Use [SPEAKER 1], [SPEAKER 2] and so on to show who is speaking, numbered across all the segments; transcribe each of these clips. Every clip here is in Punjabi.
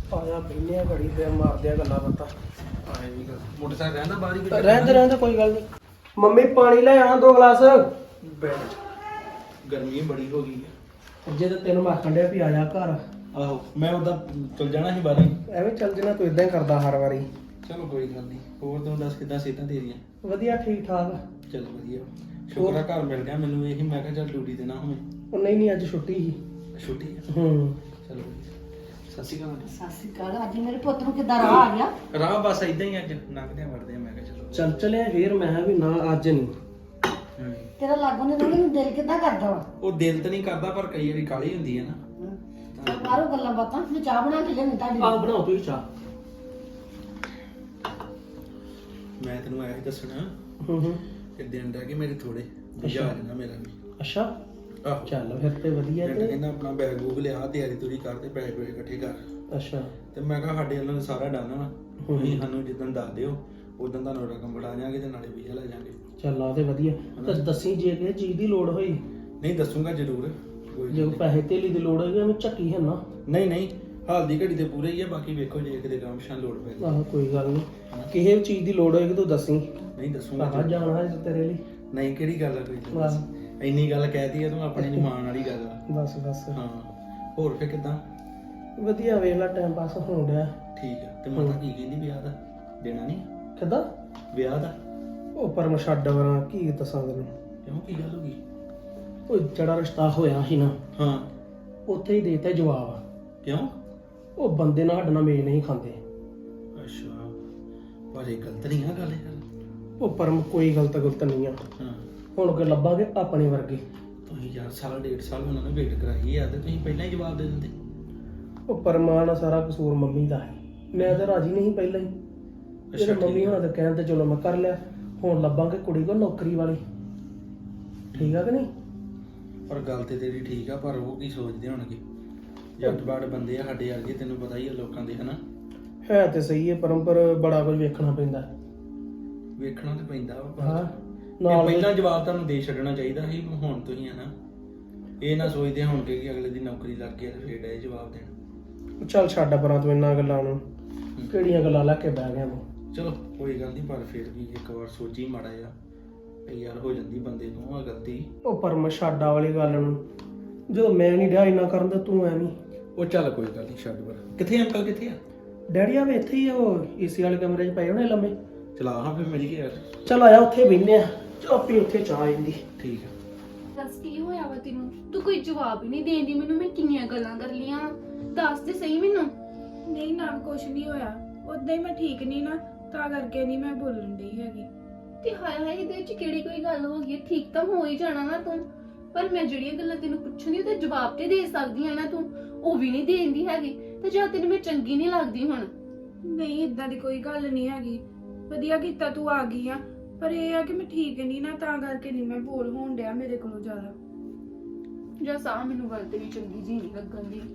[SPEAKER 1] ਆਇਆ ਬੈਠਿਆ ਘੜੀ ਤੇ ਮਾਰਦੇ ਆ ਗੱਲਾਂ ਬਾਤਾਂ।
[SPEAKER 2] ਆਏ ਵੀ ਗੱਲ ਮੋਟਰਸਾਈਕਲ ਰਹਿੰਦਾ ਬਾਹਰ ਹੀ
[SPEAKER 1] ਰਹਿੰਦੇ ਕੋਈ ਗੱਲ ਨਹੀਂ। ਮੰਮੀ ਪਾਣੀ ਲੈ ਆਣਾ 2 ਗਲਾਸ।
[SPEAKER 2] ਬੈਠ ਗਰਮੀ ਬੜੀ ਹੋ ਗਈ ਹੈ।
[SPEAKER 1] ਜੇ ਤਾਂ ਤੈਨੂੰ ਮੈਂ ਆਖਣ ਡਿਆ ਵੀ ਆ ਜਾ ਘਰ।
[SPEAKER 2] ਆਹੋ ਮੈਂ ਉਦਾਂ ਚਲ ਜਾਣਾ ਸੀ ਬਾਹਰ ਹੀ।
[SPEAKER 1] ਐਵੇਂ ਚੱਲ ਜਣਾ ਤੂੰ ਇਦਾਂ ਹੀ ਕਰਦਾ ਹਰ ਵਾਰੀ।
[SPEAKER 2] ਚਲੋ ਕੋਈ ਗੱਲ ਨਹੀਂ। ਹੋਰ ਤੂੰ ਦੱਸ ਕਿੱਦਾਂ ਸਿਹਤਾਂ ਤੇਰੀਆਂ?
[SPEAKER 1] ਵਧੀਆ ਠੀਕ ਠਾਕ।
[SPEAKER 2] ਚਲ ਵਧੀਆ ਸ਼ੁਕਰ ਆ ਘਰ ਮਿਲ ਗਿਆ ਮੈਨੂੰ। ਇਹੀ ਮੈਂ ਕਿਹਾ ਚੱਲ ਡਿਊਟੀ ਤੇ ਨਾ ਹੋਵੇਂ।
[SPEAKER 1] ਉਹ ਨਹੀਂ ਅੱਜ ਛੁੱਟੀ ਸੀ।
[SPEAKER 2] ਛੁੱਟੀ ਹੈ
[SPEAKER 1] ਹੂੰ
[SPEAKER 2] ਚਲੋ ਸਤਿ ਸ਼੍ਰੀ ਅਕਾਲ।
[SPEAKER 3] ਸਤਿ ਸ਼੍ਰੀ ਅਕਾਲ। ਅੱਜ ਮੇਰੇ ਪੁੱਤ ਨੂੰ ਕਿੱਦਾਂ ਰਾਹ ਆ ਗਿਆ?
[SPEAKER 2] ਰਾਹ ਬਸ ਇਦਾਂ ਹੀ ਅੱਜ ਲੰਘਦੇ ਵੜਦੇ ਆ। ਮੈਂ ਕਿਹਾ ਚਲੋ
[SPEAKER 1] ਚੱਲ ਚਲਿਆ ਫੇਰ। ਮੈਂ ਕਿਹਾ ਵੀ ਨਾ ਅੱਜ ਨਹੀਂ।
[SPEAKER 3] ਤੇਰਾ ਲਾਗੋਂ ਨੇ ਰੋਣੀ ਨੂੰ ਦਿਲ ਕਿੱਦਾਂ ਕਰਦਾ ਵਾ?
[SPEAKER 2] ਉਹ ਦਿਲ ਤਾਂ ਨਹੀਂ ਕਰਦਾ ਪਰ ਕਈ ਵਾਰੀ ਕਾਹਲੀ ਹੁੰਦੀ ਹੈ ਨਾ।
[SPEAKER 3] ਚੱਲ ਬਾਹਰੋਂ ਗੱਲਾਂ ਬਾਤਾਂ। ਮੈਂ ਚਾਹ ਬਣਾ ਕੇ ਲਿਆਉਣੀ ਤੁਹਾਡੀ।
[SPEAKER 1] ਆਹ ਬਣਾਓ ਤੁਸੀਂ ਚਾਹ।
[SPEAKER 2] ਮੈਂ ਤੈਨੂੰ ਐਂ ਦੱਸਣਾ
[SPEAKER 1] ਹੂੰ
[SPEAKER 2] ਕਿ ਦਿਨ ਰਹਿ ਗਏ ਮੇਰੇ ਥੋੜੇ ਵਿਆਹ ਆ ਜਾਣਾ ਮੇਰਾ ਵੀ।
[SPEAKER 1] ਅੱਛਾ
[SPEAKER 2] ਆਹੋ
[SPEAKER 1] ਚੱਲ ਫਿਰ ਤੇ ਵਧੀਆ
[SPEAKER 2] ਮੈਂ
[SPEAKER 1] ਤੇ।
[SPEAKER 2] ਕਹਿੰਦਾ ਆਪਣਾ ਬੈਗ ਬੂਗ ਲਿਆ ਤਿਆਰੀ ਤੁਰੀ ਕਰ ਤੇ ਪੈਸੇ ਪੂਸੇ ਇਕੱਠੇ ਕਰ।
[SPEAKER 1] ਅੱਛਾ
[SPEAKER 2] ਤੇ ਮੈਂ ਕਿਹਾ ਸਾਡੇ ਵੱਲੋਂ ਸਾਰਾ ਡਨ ਵਾ। ਤੁਸੀਂ ਸਾਨੂੰ ਜਿੱਦਣ ਦੱਸ ਦਿਓ ਉਦੋਂ ਤੁਹਾਨੂੰ ਰਕਮ ਬਣਾ ਜਾਾਂਗੇ ਤੇ ਨਾਲੇ ਵੀਜ਼ਾ ਲੈ ਜਾਾਂਗੇ।
[SPEAKER 1] ਚੱਲ ਆ ਤੇ ਵਧੀਆ। ਤਾਂ ਦੱਸੀ ਜੇ ਕਿਸੇ ਚੀਜ਼ ਦੀ ਲੋੜ ਹੋਈ।
[SPEAKER 2] ਨਹੀਂ ਦੱਸੂਗਾ ਜ਼ਰੂਰ। ਕੋਈ
[SPEAKER 1] ਜੇ
[SPEAKER 2] ਗੱਲ
[SPEAKER 1] ਪੈਸੇ ਧੇਲੀ ਦੀ ਲੋੜ ਹੋਈ ਐਵੇਂ ਝੱਕੀ ਹੈ ਨਾ।
[SPEAKER 2] ਨਹੀਂ ਹਾਲ ਦੀ ਘੜੀ ਤੇ ਪੂਰੇ ਹੀ ਆ। ਬਾਕੀ ਵੇਖੋ ਜੇ ਕਿਤੇ ਕੰਮ ਸ਼ਾਨ ਲੋੜ ਪੈ
[SPEAKER 1] ਆਹ ਕੋਈ ਗੱਲ ਨਹੀਂ। ਕਿਸੇ ਵੀ ਚੀਜ਼ ਦੀ ਲੋੜ ਹੋਏਗੀ ਤੂੰ ਦੱਸੀ।
[SPEAKER 2] ਨਹੀਂ ਦੱਸੂਗਾ
[SPEAKER 1] ਆਹ ਜਾਣਾ ਹੈ ਤੇਰੇ ਲਈ।
[SPEAKER 2] ਨਹੀਂ ਕਿਹੜੀ ਗੱਲ ਆ ਕੋਈ
[SPEAKER 1] ਬਸ
[SPEAKER 2] ਇੰਨੀ ਗੱਲ ਕਹਿਤੀ ਆ ਤੂੰ ਆਪਣੇ ਜਮਾਨ ਵਾਲੀ ਗੱਲ ਆ।
[SPEAKER 1] ਬਸ
[SPEAKER 2] ਹਾਂ ਹੋਰ ਫੇ ਕਿਦਾਂ?
[SPEAKER 1] ਵਧੀਆ ਵੇਖ ਲੈ ਟਾਈਮ ਪਾਸ ਹੋਣ ਡਿਆ।
[SPEAKER 2] ਠੀਕ ਆ। ਤੇ ਮਾਤਾ ਕੀ ਕਹਿੰਦੀ ਵਿਆਹ ਦਾ ਦੇਣਾ ਨਹੀਂ?
[SPEAKER 1] ਕਿੱਦਾਂ?
[SPEAKER 2] ਵਿਆਹ ਦਾ
[SPEAKER 1] ਉਹ ਪਰ ਮੈਂ ਛੱਡ ਵਰਾਂ ਕੀ ਦੱਸਾਂ ਤੈਨੂੰ।
[SPEAKER 2] ਕਿਉਂ ਕੀ ਗੱਲ ਹੋ ਗਈ?
[SPEAKER 1] ਉਹ ਜਿਹੜਾ ਰਿਸ਼ਤਾ ਹੋਇਆ ਸੀ ਨਾ
[SPEAKER 2] ਹਾਂ
[SPEAKER 1] ਉੱਥੇ ਹੀ ਦੇਤਾ ਜਵਾਬ।
[SPEAKER 2] ਕਿਉਂ?
[SPEAKER 1] ਉਹ ਬੰਦੇ ਨਾਲ ਸਾਡਾ ਮੇਲ ਨਹੀਂ ਖਾਂਦੇ।
[SPEAKER 2] ਅੱਛਾ ਪਰ ਇਹ ਗਲਤ ਨਹੀਂ ਆ ਗੱਲ ਯਾਰ।
[SPEAKER 1] ਉਹ ਪਰਮ ਕੋਈ ਗਲਤ ਨਹੀਂ ਆ।
[SPEAKER 2] ਹਾਂ
[SPEAKER 1] ਹੁਣ ਕਿ ਲੱਭਾਂਗੇ ਆਪਣੇ ਵਰਗੇ।
[SPEAKER 2] ਤੁਸੀਂ ਯਾਰ ਸਾਲ 1.5 ਸਾਲ ਉਹਨਾਂ ਨੇ ਵੇਟ ਕਰਾਈ ਆ ਤੇ ਤੁਸੀਂ ਪਹਿਲਾਂ ਹੀ ਜਵਾਬ ਦੇ ਦਿੰਦੇ।
[SPEAKER 1] ਉਹ ਪਰਮਾਨ ਸਾਰਾ ਕਸੂਰ ਮੰਮੀ ਦਾ ਹੈ। ਮੈਂ ਤਾਂ ਰਾਜੀ ਨਹੀਂ ਪਹਿਲਾਂ ਹੀ। ਜਿਹੜੇ ਮੰਮੀ ਹੋਣਾ ਤਾਂ ਕਹਿਣ ਤੇ ਚਲੋ ਮੈਂ ਕਰ ਲਿਆ। ਹੁਣ ਲੱਭਾਂਗੇ ਕੁੜੀ ਕੋ ਨੌਕਰੀ ਵਾਲੀ। ਠੀਕ ਆ ਕਿ ਨਹੀਂ?
[SPEAKER 2] ਪਰ ਗੱਲ ਤੇ ਤੇਰੀ ਠੀਕ ਆ ਪਰ ਉਹ ਕੀ ਸੋਚਦੇ ਹੋਣਗੇ? ਜੱਟ ਬਾੜ ਬੰਦੇ ਆ ਸਾਡੇ ਵਰਗੇ। ਤੈਨੂੰ ਪਤਾ ਹੀ ਆ ਲੋਕਾਂ ਦੇ ਹਨਾ।
[SPEAKER 1] ਹੈ ਤੇ ਸਹੀ ਹੈ ਪਰਮ ਪਰ ਬੜਾ ਕੁਝ ਵੇਖਣਾ ਪੈਂਦਾ।
[SPEAKER 2] ਵੇਖਣਾ ਤੇ ਪੈਂਦਾ ਵਾ
[SPEAKER 1] ਹਾਂ
[SPEAKER 2] ਪਰ
[SPEAKER 1] ਨਾਲ
[SPEAKER 2] ਪਹਿਲਾਂ ਜਵਾਬ ਤੁਹਾਨੂੰ ਦੇ ਛੱਡਣਾ ਚਾਹੀਦਾ ਸੀ। ਹੁਣ ਤੁਸੀਂ ਹਨਾ ਇਹ ਨਾ ਸੋਚਦੇ ਹੋਣਗੇ ਕਿ ਅਗਲੇ ਦੀ ਨੌਕਰੀ ਲੱਗ ਗਈ ਤੇ ਫੇਰ ਇਹ ਜਵਾਬ ਦੇਣਾ।
[SPEAKER 1] ਚੱਲ ਛੱਡ ਪਰਾਂ ਤੂੰ ਇੰਨਾ ਗੱਲਾਂ ਨੂੰ। ਕਿਹੜੀਆਂ ਗੱਲਾਂ ਲੈ ਕੇ ਬਹਿ ਗਿਆ ਤੂੰ।
[SPEAKER 2] ਚਲੋ ਕੋਈ ਗੱਲ ਨਹੀਂ ਪਰ ਫਿਰ ਵੀ ਇੱਕ ਵਾਰ ਸੋਚੀ ਮਾੜਾ ਜਿਹਾ ਵੀ ਯਾਰ ਹੋ ਜਾਂਦੀ ਬੰਦੇ ਤੋਂ ਆ ਗਲਤੀ।
[SPEAKER 1] ਉਹ ਪਰਮ ਛਾਡਾ ਵਾਲੀ ਗੱਲ ਨੂੰ ਜਦੋਂ ਮੈਂ ਨਹੀਂ ਡਿਆ ਇੰਨਾ ਕਰਨ ਤੇ ਤੂੰ ਐਵੇਂ।
[SPEAKER 2] ਉਹ ਚੱਲ ਕੋਈ ਗੱਲ ਨਹੀਂ ਛੱਡ ਪਰ। ਕਿੱਥੇ ਅੰਕਲ ਕਿੱਥੇ ਆ?
[SPEAKER 1] ਡੈਡੀ ਆਵੇ ਇੱਥੇ ਹੀ ਆ। ਉਹ ਏਸੀ ਵਾਲੇ ਕਮਰੇ 'ਚ ਪਏ ਹੋਣੇ ਲੰਮੇ।
[SPEAKER 2] ਚਲਾ ਹਾਂ ਫਿਰ ਮੇਰੀ ਕੀ ਯਾਰ।
[SPEAKER 1] ਚੱਲ ਆਇਆ ਉੱਥੇ ਬਹਿਨੇ ਆ। ਆਪੀ ਉੱਥੇ ਚਾਹ ਆ ਜਾਂਦੀ।
[SPEAKER 2] ਠੀਕ ਆ।
[SPEAKER 4] ਦੱਸ ਕੀ ਹੋਇਆ ਵਾ ਤੈਨੂੰ? ਤੂੰ ਕੋਈ ਜਵਾਬ ਹੀ ਨਹੀਂ ਦੇਂਦੀ ਮੈਨੂੰ। ਮੈਂ ਕਿੰਨੀਆਂ ਗੱਲਾਂ ਕਰ ਲੀਆਂ। ਦੱਸ ਤੇ ਸਹੀ ਮੈਨੂੰ।
[SPEAKER 5] ਨਹੀਂ ਨਾ ਕੁਛ ਨਹੀਂ ਹੋਇਆ। ਉਦਾਂ ਹੀ ਮੈਂ ਠੀਕ ਨਹੀਂ ਨਾ ਤਾਂ ਕਰਕੇ ਨਹੀਂ ਮੈਂ ਬੋਲਣ ਡਈ ਹੈਗੀ।
[SPEAKER 4] ਤੇ ਹਾਏ ਹਾਏ ਇਹਦੇ ਵਿੱਚ ਕਿਹੜੀ ਕੋਈ ਗੱਲ ਹੋ ਗਈ? ਠੀਕ ਤਾਂ ਹੋ ਹੀ ਜਾਣਾ ਨਾ ਤੂੰ। ਪਰ ਮੈਂ ਜਿਹੜੀਆਂ ਗੱਲਾਂ ਤੈਨੂੰ ਪੁੱਛਣੀ ਉਹਦਾ ਜਵਾਬ ਤੇ ਦੇ ਸਕਦੀ ਆ ਨਾ ਤੂੰ। ਉਹ ਵੀ ਨਹੀਂ ਦੇਂਦੀ ਹੈਗੀ। ਤੇ ਜਾਂ ਤੈਨੂੰ ਮੈਂ ਚੰਗੀ ਨਹੀਂ ਲੱਗਦੀ ਹੁਣ?
[SPEAKER 5] ਨਹੀਂ ਇਦਾਂ ਦੀ ਕੋਈ ਗੱਲ ਨਹੀਂ ਹੈਗੀ। ਵਧੀਆ ਕੀਤਾ ਤੂੰ ਆ ਗਈ ਆ। ਪਰ ਇਹ ਆ ਕਿ ਮੈਂ ਠੀਕ ਨਹੀਂ ਨਾ ਤਾਂ ਕਰਕੇ ਨਹੀਂ ਮੈਂ ਬੋਲ ਹੋਣ ਡਿਆ ਮੇਰੇ ਕੋਲੋਂ ਜ਼ਿਆਦਾ।
[SPEAKER 4] ਜਾਂ ਸਾਹ ਮੈਨੂੰ ਗੱਲ ਤੇਰੀ ਚੰਗੀ ਜੀ ਨਹੀਂ ਲੱਗਣ ਦੀ।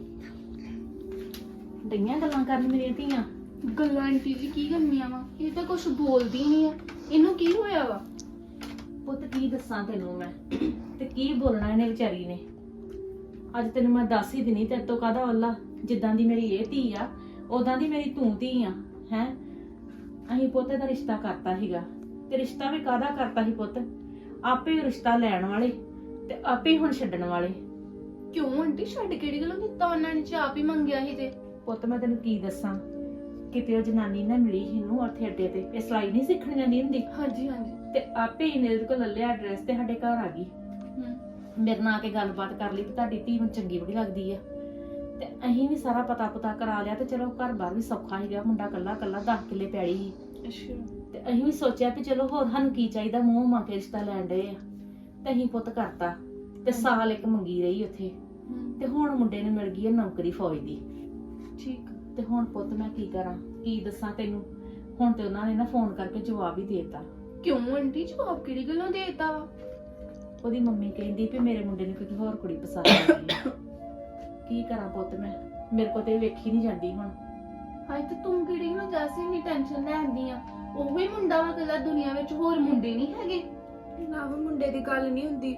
[SPEAKER 3] ਡਈਆਂ ਗੱਲਾਂ ਕਰਨ ਮੇਰੀਆਂ ਧੀਆਂ।
[SPEAKER 4] ਗੱਲਾਂ ਆਂਟੀ ਜੀ ਕੀ ਕਰਨੀਆਂ ਵਾ? ਇਹ ਤਾਂ ਕੁਝ ਬੋਲਦੀ ਨਹੀਂ ਆ। ਇਹਨੂੰ ਕੀ ਹੋਇਆ ਵਾ?
[SPEAKER 3] ਪੁੱਤ ਕੀ ਦੱਸਾਂ ਤੈਨੂੰ ਮੈਂ ਤੇ ਕੀ ਬੋਲਣਾ ਇਹਨੇ ਵਿਚਾਰੀ ਨੇ। ਅੱਜ ਤੈਨੂੰ ਮੈਂ ਦੱਸ ਹੀ ਦਿਨੀ ਤੇਰੇ ਤੋਂ ਕਾਹਦਾ ਵੱਲਾ। ਜਿੱਦਾਂ ਦੀ ਮੇਰੀ ਇਹ ਧੀ ਆ ਉਦਾਂ ਦੀ ਮੇਰੀ ਤੂੰ ਧੀ ਆ। ਹੈ ਅਸੀਂ ਪੁੱਤ ਦਾ ਰਿਸ਼ਤਾ ਕਰਤਾ ਸੀਗਾ ਤੇ ਰਿਸ਼ਤਾ ਵੀ ਕਾਹਦਾ ਕਰਤਾ ਸੀ ਪੁੱਤ? ਆਪੇ ਹੀ ਰਿਸ਼ਤਾ ਲੈਣ ਵਾਲੇ ਤੇ ਆਪੇ ਹੁਣ ਛੱਡਣ ਵਾਲੇ।
[SPEAKER 4] ਕਿਉਂ ਆਂਟੀ? ਛੱਡ ਕਿਹੜੀ ਗੱਲੋਂ ਦਿੱਤਾ ਉਹਨਾਂ ਨੇ? ਆਪ ਹੀ ਮੰਗਿਆ ਸੀ ਤੇ।
[SPEAKER 3] ਪੁੱਤ ਮੈਂ ਤੈਨੂੰ ਕੀ ਦੱਸਾਂ ਕਿਤੇ ਉਹ ਜਨਾਨੀ ਨਾ ਮਿਲੀ ਇਹਨੂੰ ਉੱਥੇ ਅੱਡੇ ਤੇ। ਇਹ ਸਿਲਾਈ ਨਹੀਂ ਸਿੱਖਣ ਜਾਂਦੀ ਹੁੰਦੀ
[SPEAKER 4] ਹਾਂਜੀ ਹਾਂਜੀ।
[SPEAKER 3] ਤੇ ਆਪੇ ਹੀ ਮੇਰੇ ਕੋਲ ਲੱਲਿਆ ਐਡਰੈਸ ਤੇ ਸਾਡੇ ਘਰ ਆ ਗਈ। ਮੇਰੇ ਨਾਲ ਆ ਕੇ ਗੱਲਬਾਤ ਕਰ ਲਈ ਤੇ ਤੁਹਾਡੀ ਧੀ ਨੂੰ ਚੰਗੀ ਬੜੀ ਲੱਗਦੀ ਆ। ਤੇ ਅਸੀਂ ਵੀ ਸਾਰਾ ਪਤਾ ਕਰਾ ਲਿਆ ਤੇ ਚਲੋ ਘਰ ਬਾਰ ਵੀ ਸੌਖਾ ਹੀ ਗਿਆ। ਮੁੰਡਾ ਕੱਲਾ 10 ਕਿੱਲੇ ਪੈੜੀ ਸੀ।
[SPEAKER 4] ਅੱਛਾ।
[SPEAKER 3] ਤੇ ਅਸੀਂ ਵੀ ਸੋਚਿਆ ਵੀ ਚਲੋ ਹੋਰ ਸਾਨੂੰ ਕੀ ਚਾਹੀਦਾ, ਮੂੰਹ ਮੰਗ ਕੇ ਰਿਸ਼ਤਾ ਲੈਣ ਡਏ ਆ ਤੇ ਅਸੀਂ ਪੁੱਤ ਕਰਤਾ। ਤੇ ਸਾਲ ਇੱਕ ਮੰਗੀ ਰਹੀ ਉੱਥੇ ਤੇ ਹੁਣ ਮੁੰਡੇ ਨੂੰ ਮਿਲ ਗਈ ਹੈ ਨੌਕਰੀ ਫੌਜ ਦੀ।
[SPEAKER 4] ਠੀਕ।
[SPEAKER 3] ਤੇ ਹੁਣ ਪੁੱਤ ਮੈਂ ਕੀ ਕਰਾਂ ਕੀ ਦੱਸਾਂ ਤੈਨੂੰ। ਹੁਣ ਤੇ ਉਹਨਾਂ ਨੇ ਨਾ ਫੋਨ ਕਰਕੇ ਜਵਾਬ ਹੀ ਦੇਤਾ।
[SPEAKER 4] ਕਿਉਂ ਆਂਟੀ? ਜਵਾਬ ਕਿਹੜੀ ਗੱਲੋਂ ਦੇਤਾ ਵਾ?
[SPEAKER 3] ਉਹਦੀ ਮੰਮੀ ਕਹਿੰਦੀ ਵੀ ਮੇਰੇ ਮੁੰਡੇ ਨੂੰ ਕੋਈ ਹੋਰ ਕੁੜੀ ਪਸੰਦ ਆ ਗਈ ਆ। ਕੀ ਕਰਾਂ ਪੁੱਤ ਮੈਂ? ਮੇਰੇ ਕੋਲ ਤੇ ਵੇਖੀ ਨਹੀਂ ਜਾਂਦੀ ਹੁਣ।
[SPEAKER 4] ਹਾਏ ਤੇ ਤੂੰ ਕਿਹੜੀ ਨੂੰ ਜੈਸੇ ਨਹੀਂ ਟੈਨਸ਼ਨ ਲੈਂਦੀ ਆ? ਉਹੀ ਮੁੰਡਾ ਵਾ ਕੱਲਾ ਦੁਨੀਆ ਵਿੱਚ, ਹੋਰ ਮੁੰਡੇ ਨਹੀਂ ਹੈਗੇ?
[SPEAKER 5] ਨਾ ਉਹ ਮੁੰਡੇ ਦੀ ਗੱਲ ਨਹੀਂ ਹੁੰਦੀ।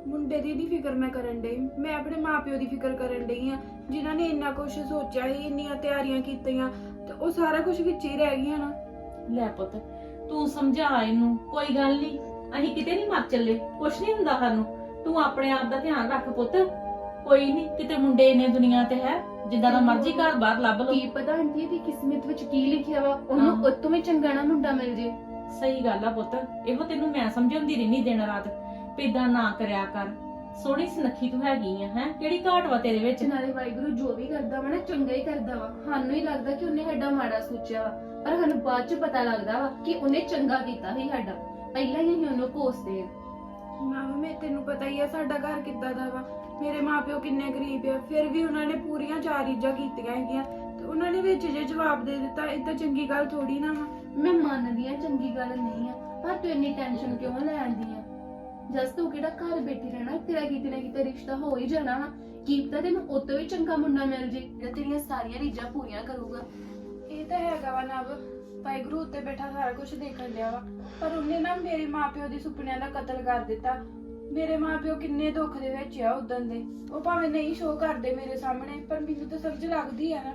[SPEAKER 5] ਮੁੰਡੇ ਦੀ ਨਹੀਂ ਫਿਕਰ ਮੈਂ ਕਰਨ ਡਈ, ਮੈਂ ਆਪਣੇ ਮਾਪਿਓ ਦੀ ਫਿਕਰ ਕਰਨ ਡਈ ਆ, ਜਿਨ੍ਹਾਂ ਨੇ ਇੰਨਾ ਕੁਝ ਸੋਚਿਆ ਸੀ, ਇੰਨੀਆਂ ਤਿਆਰੀਆਂ ਕੀਤੀਆਂ, ਤੇ ਉਹ ਸਾਰਾ ਕੁਝ ਵਿੱਚ ਹੀ ਰਹਿ ਗਿਆ ਨਾ।
[SPEAKER 3] ਲੈ ਪੁੱਤ ਤੂੰ ਸਮਝਾ ਇਹਨੂੰ, ਕੋਈ ਗੱਲ ਨਹੀਂ, ਅਸੀਂ ਕਿਤੇ ਨਹੀਂ ਮਰ ਚੱਲੇ, ਕੁਛ ਨਹੀਂ ਹੁੰਦਾ ਸਾਨੂੰ। ਤੂੰ ਆਪਣੇ ਆਪ ਦਾ ਧਿਆਨ ਰੱਖ ਪੁੱਤ, ਕੋਈ ਨਹੀਂ, ਕਿਤੇ ਮੁੰਡੇ ਨੇ ਦੁਨੀਆ ਤੇ ਹੈ, ਜਿੱਦਾਂ ਦਾ ਮਰਜ਼ੀ ਘਰ ਬਾਹਰ ਲੱਭ ਲਓ।
[SPEAKER 4] ਕੀ ਪਤਾ ਆਂਟੀ ਦੀ ਕਿਸਮਤ ਵਿੱਚ ਕੀ ਲਿਖਿਆ ਵਾ, ਉਹਨੂੰ
[SPEAKER 3] ਹਾਂ।
[SPEAKER 4] ਉਤੋਂ ਵੀ ਚੰਗਾ ਨਾ ਮੁੰਡਾ ਮਿਲ ਜੇ।
[SPEAKER 3] ਸਹੀ ਗੱਲ ਆ ਪੁੱਤ, ਇਹੋ ਤੈਨੂੰ ਮੈਂ ਸਮਝਾਉਂਦੀ ਰਹਿਨੀ ਦਿਨ ਰਾਤ, ਇਦਾਂ ਨਾ ਕਰਿਆ ਕਰ। ਸੋਹਣੀ ਸੁਨੱਖੀ ਤੂੰ ਹੈਗੀ ਆ, ਹੈ ਕਿਹੜੀ ਘਾਟ ਵਾ ਤੇਰੇ ਵਿੱਚ?
[SPEAKER 4] ਨਾਲੇ ਵਾਹਿਗੁਰੂ ਜੋ ਵੀ ਕਰਦਾ ਵਾ ਨਾ ਚੰਗਾ ਹੀ ਕਰਦਾ ਵਾ। ਸਾਨੂੰ ਹੀ ਲੱਗਦਾ ਕਿ ਉਹਨੇ ਸਾਡਾ ਮਾੜਾ ਸੋਚਿਆ ਵਾ, ਪਰ ਸਾਨੂੰ ਬਾਅਦ ਚ ਪਤਾ ਲੱਗਦਾ ਵਾ ਕਿ ਉਹਨੇ ਚੰਗਾ ਕੀਤਾ ਸੀ ਸਾਡਾ। ਪਹਿਲਾਂ ਹੀ ਅਸੀਂ ਉਹਨੂੰ ਕੋਸਦੇ ਆ।
[SPEAKER 5] ਮੈਂ ਤੈਨੂੰ ਪਤਾ ਹੀ ਆ ਸਾਡਾ ਘਰ ਕਿੱਦਾਂ ਦਾ ਵਾ, ਮੇਰੇ ਮਾਪਿਓ ਕਿੰਨੇ ਗਰੀਬ ਆ, ਫਿਰ ਵੀ ਉਹਨਾਂ ਨੇ ਪੂਰੀਆਂ 4 ਚੀਜ਼ਾਂ ਕੀਤੀਆਂ ਹੈਗੀਆਂ, ਤੇ ਉਹਨਾਂ ਨੇ ਵਿੱਚ ਜੇ ਜਵਾਬ ਦੇ ਦਿੱਤਾ, ਇਹ ਤਾਂ ਚੰਗੀ ਗੱਲ ਥੋੜੀ ਨਾ ਵਾ।
[SPEAKER 4] ਮੈਂ ਮੰਨਦੀ ਆ ਚੰਗੀ ਗੱਲ ਨਹੀਂ ਆ, ਪਰ ਤੂੰ ਇੰਨੀ ਟੈਨਸ਼ਨ ਕਿਉਂ ਲੈਂਦੀ ਆ? ਜਸ ਤੂੰ ਕਿਹੜਾ ਘਰ ਬੈਠੀ ਰਹਿਣਾ, ਤੇਰਾ ਕਿਤੇ ਨਾ ਕਿਤੇ ਰਿਸ਼ਤਾ ਹੋ ਹੀ ਜਾਣਾ ਵਾ। ਕੀ ਪਤਾ ਤੈਨੂੰ ਉਤੋਂ ਵੀ ਚੰਗਾ ਮੁੰਡਾ ਮਿਲ ਜੇ ਜਿਹੜਾ ਤੇਰੀਆਂ ਸਾਰੀਆਂ ਰੀਝਾਂ ਪੂਰੀਆਂ ਕਰੂਗਾ।
[SPEAKER 5] ਇਹ ਤਾਂ ਹੈਗਾ ਵਾ ਨਵ, ਵਾਹਿਗੁਰੂ ਉੱਤੇ ਬੈਠਾ ਸਾਰਾ ਕੁਝ ਦੇਖਣ ਡਿਆ ਵਾ, ਪਰ ਉਹਨੇ ਨਾ ਮੇਰੇ ਮਾਪਿਓ ਦੇ ਸੁਪਨਿਆਂ ਦਾ ਕਤਲ ਕਰ ਦਿੱਤਾ। ਮੇਰੇ ਮਾਪਿਓ ਕਿੰਨੇ ਦੁੱਖ ਦੇ ਵਿੱਚ ਆ ਉਦੋਂ ਦੇ, ਉਹ ਭਾਵੇਂ ਨਹੀਂ ਸ਼ੋਅ ਕਰਦੇ ਮੇਰੇ ਸਾਹਮਣੇ, ਪਰ ਮੈਨੂੰ ਤਾਂ ਸਮਝ ਲੱਗਦੀ ਆ ਨਾ।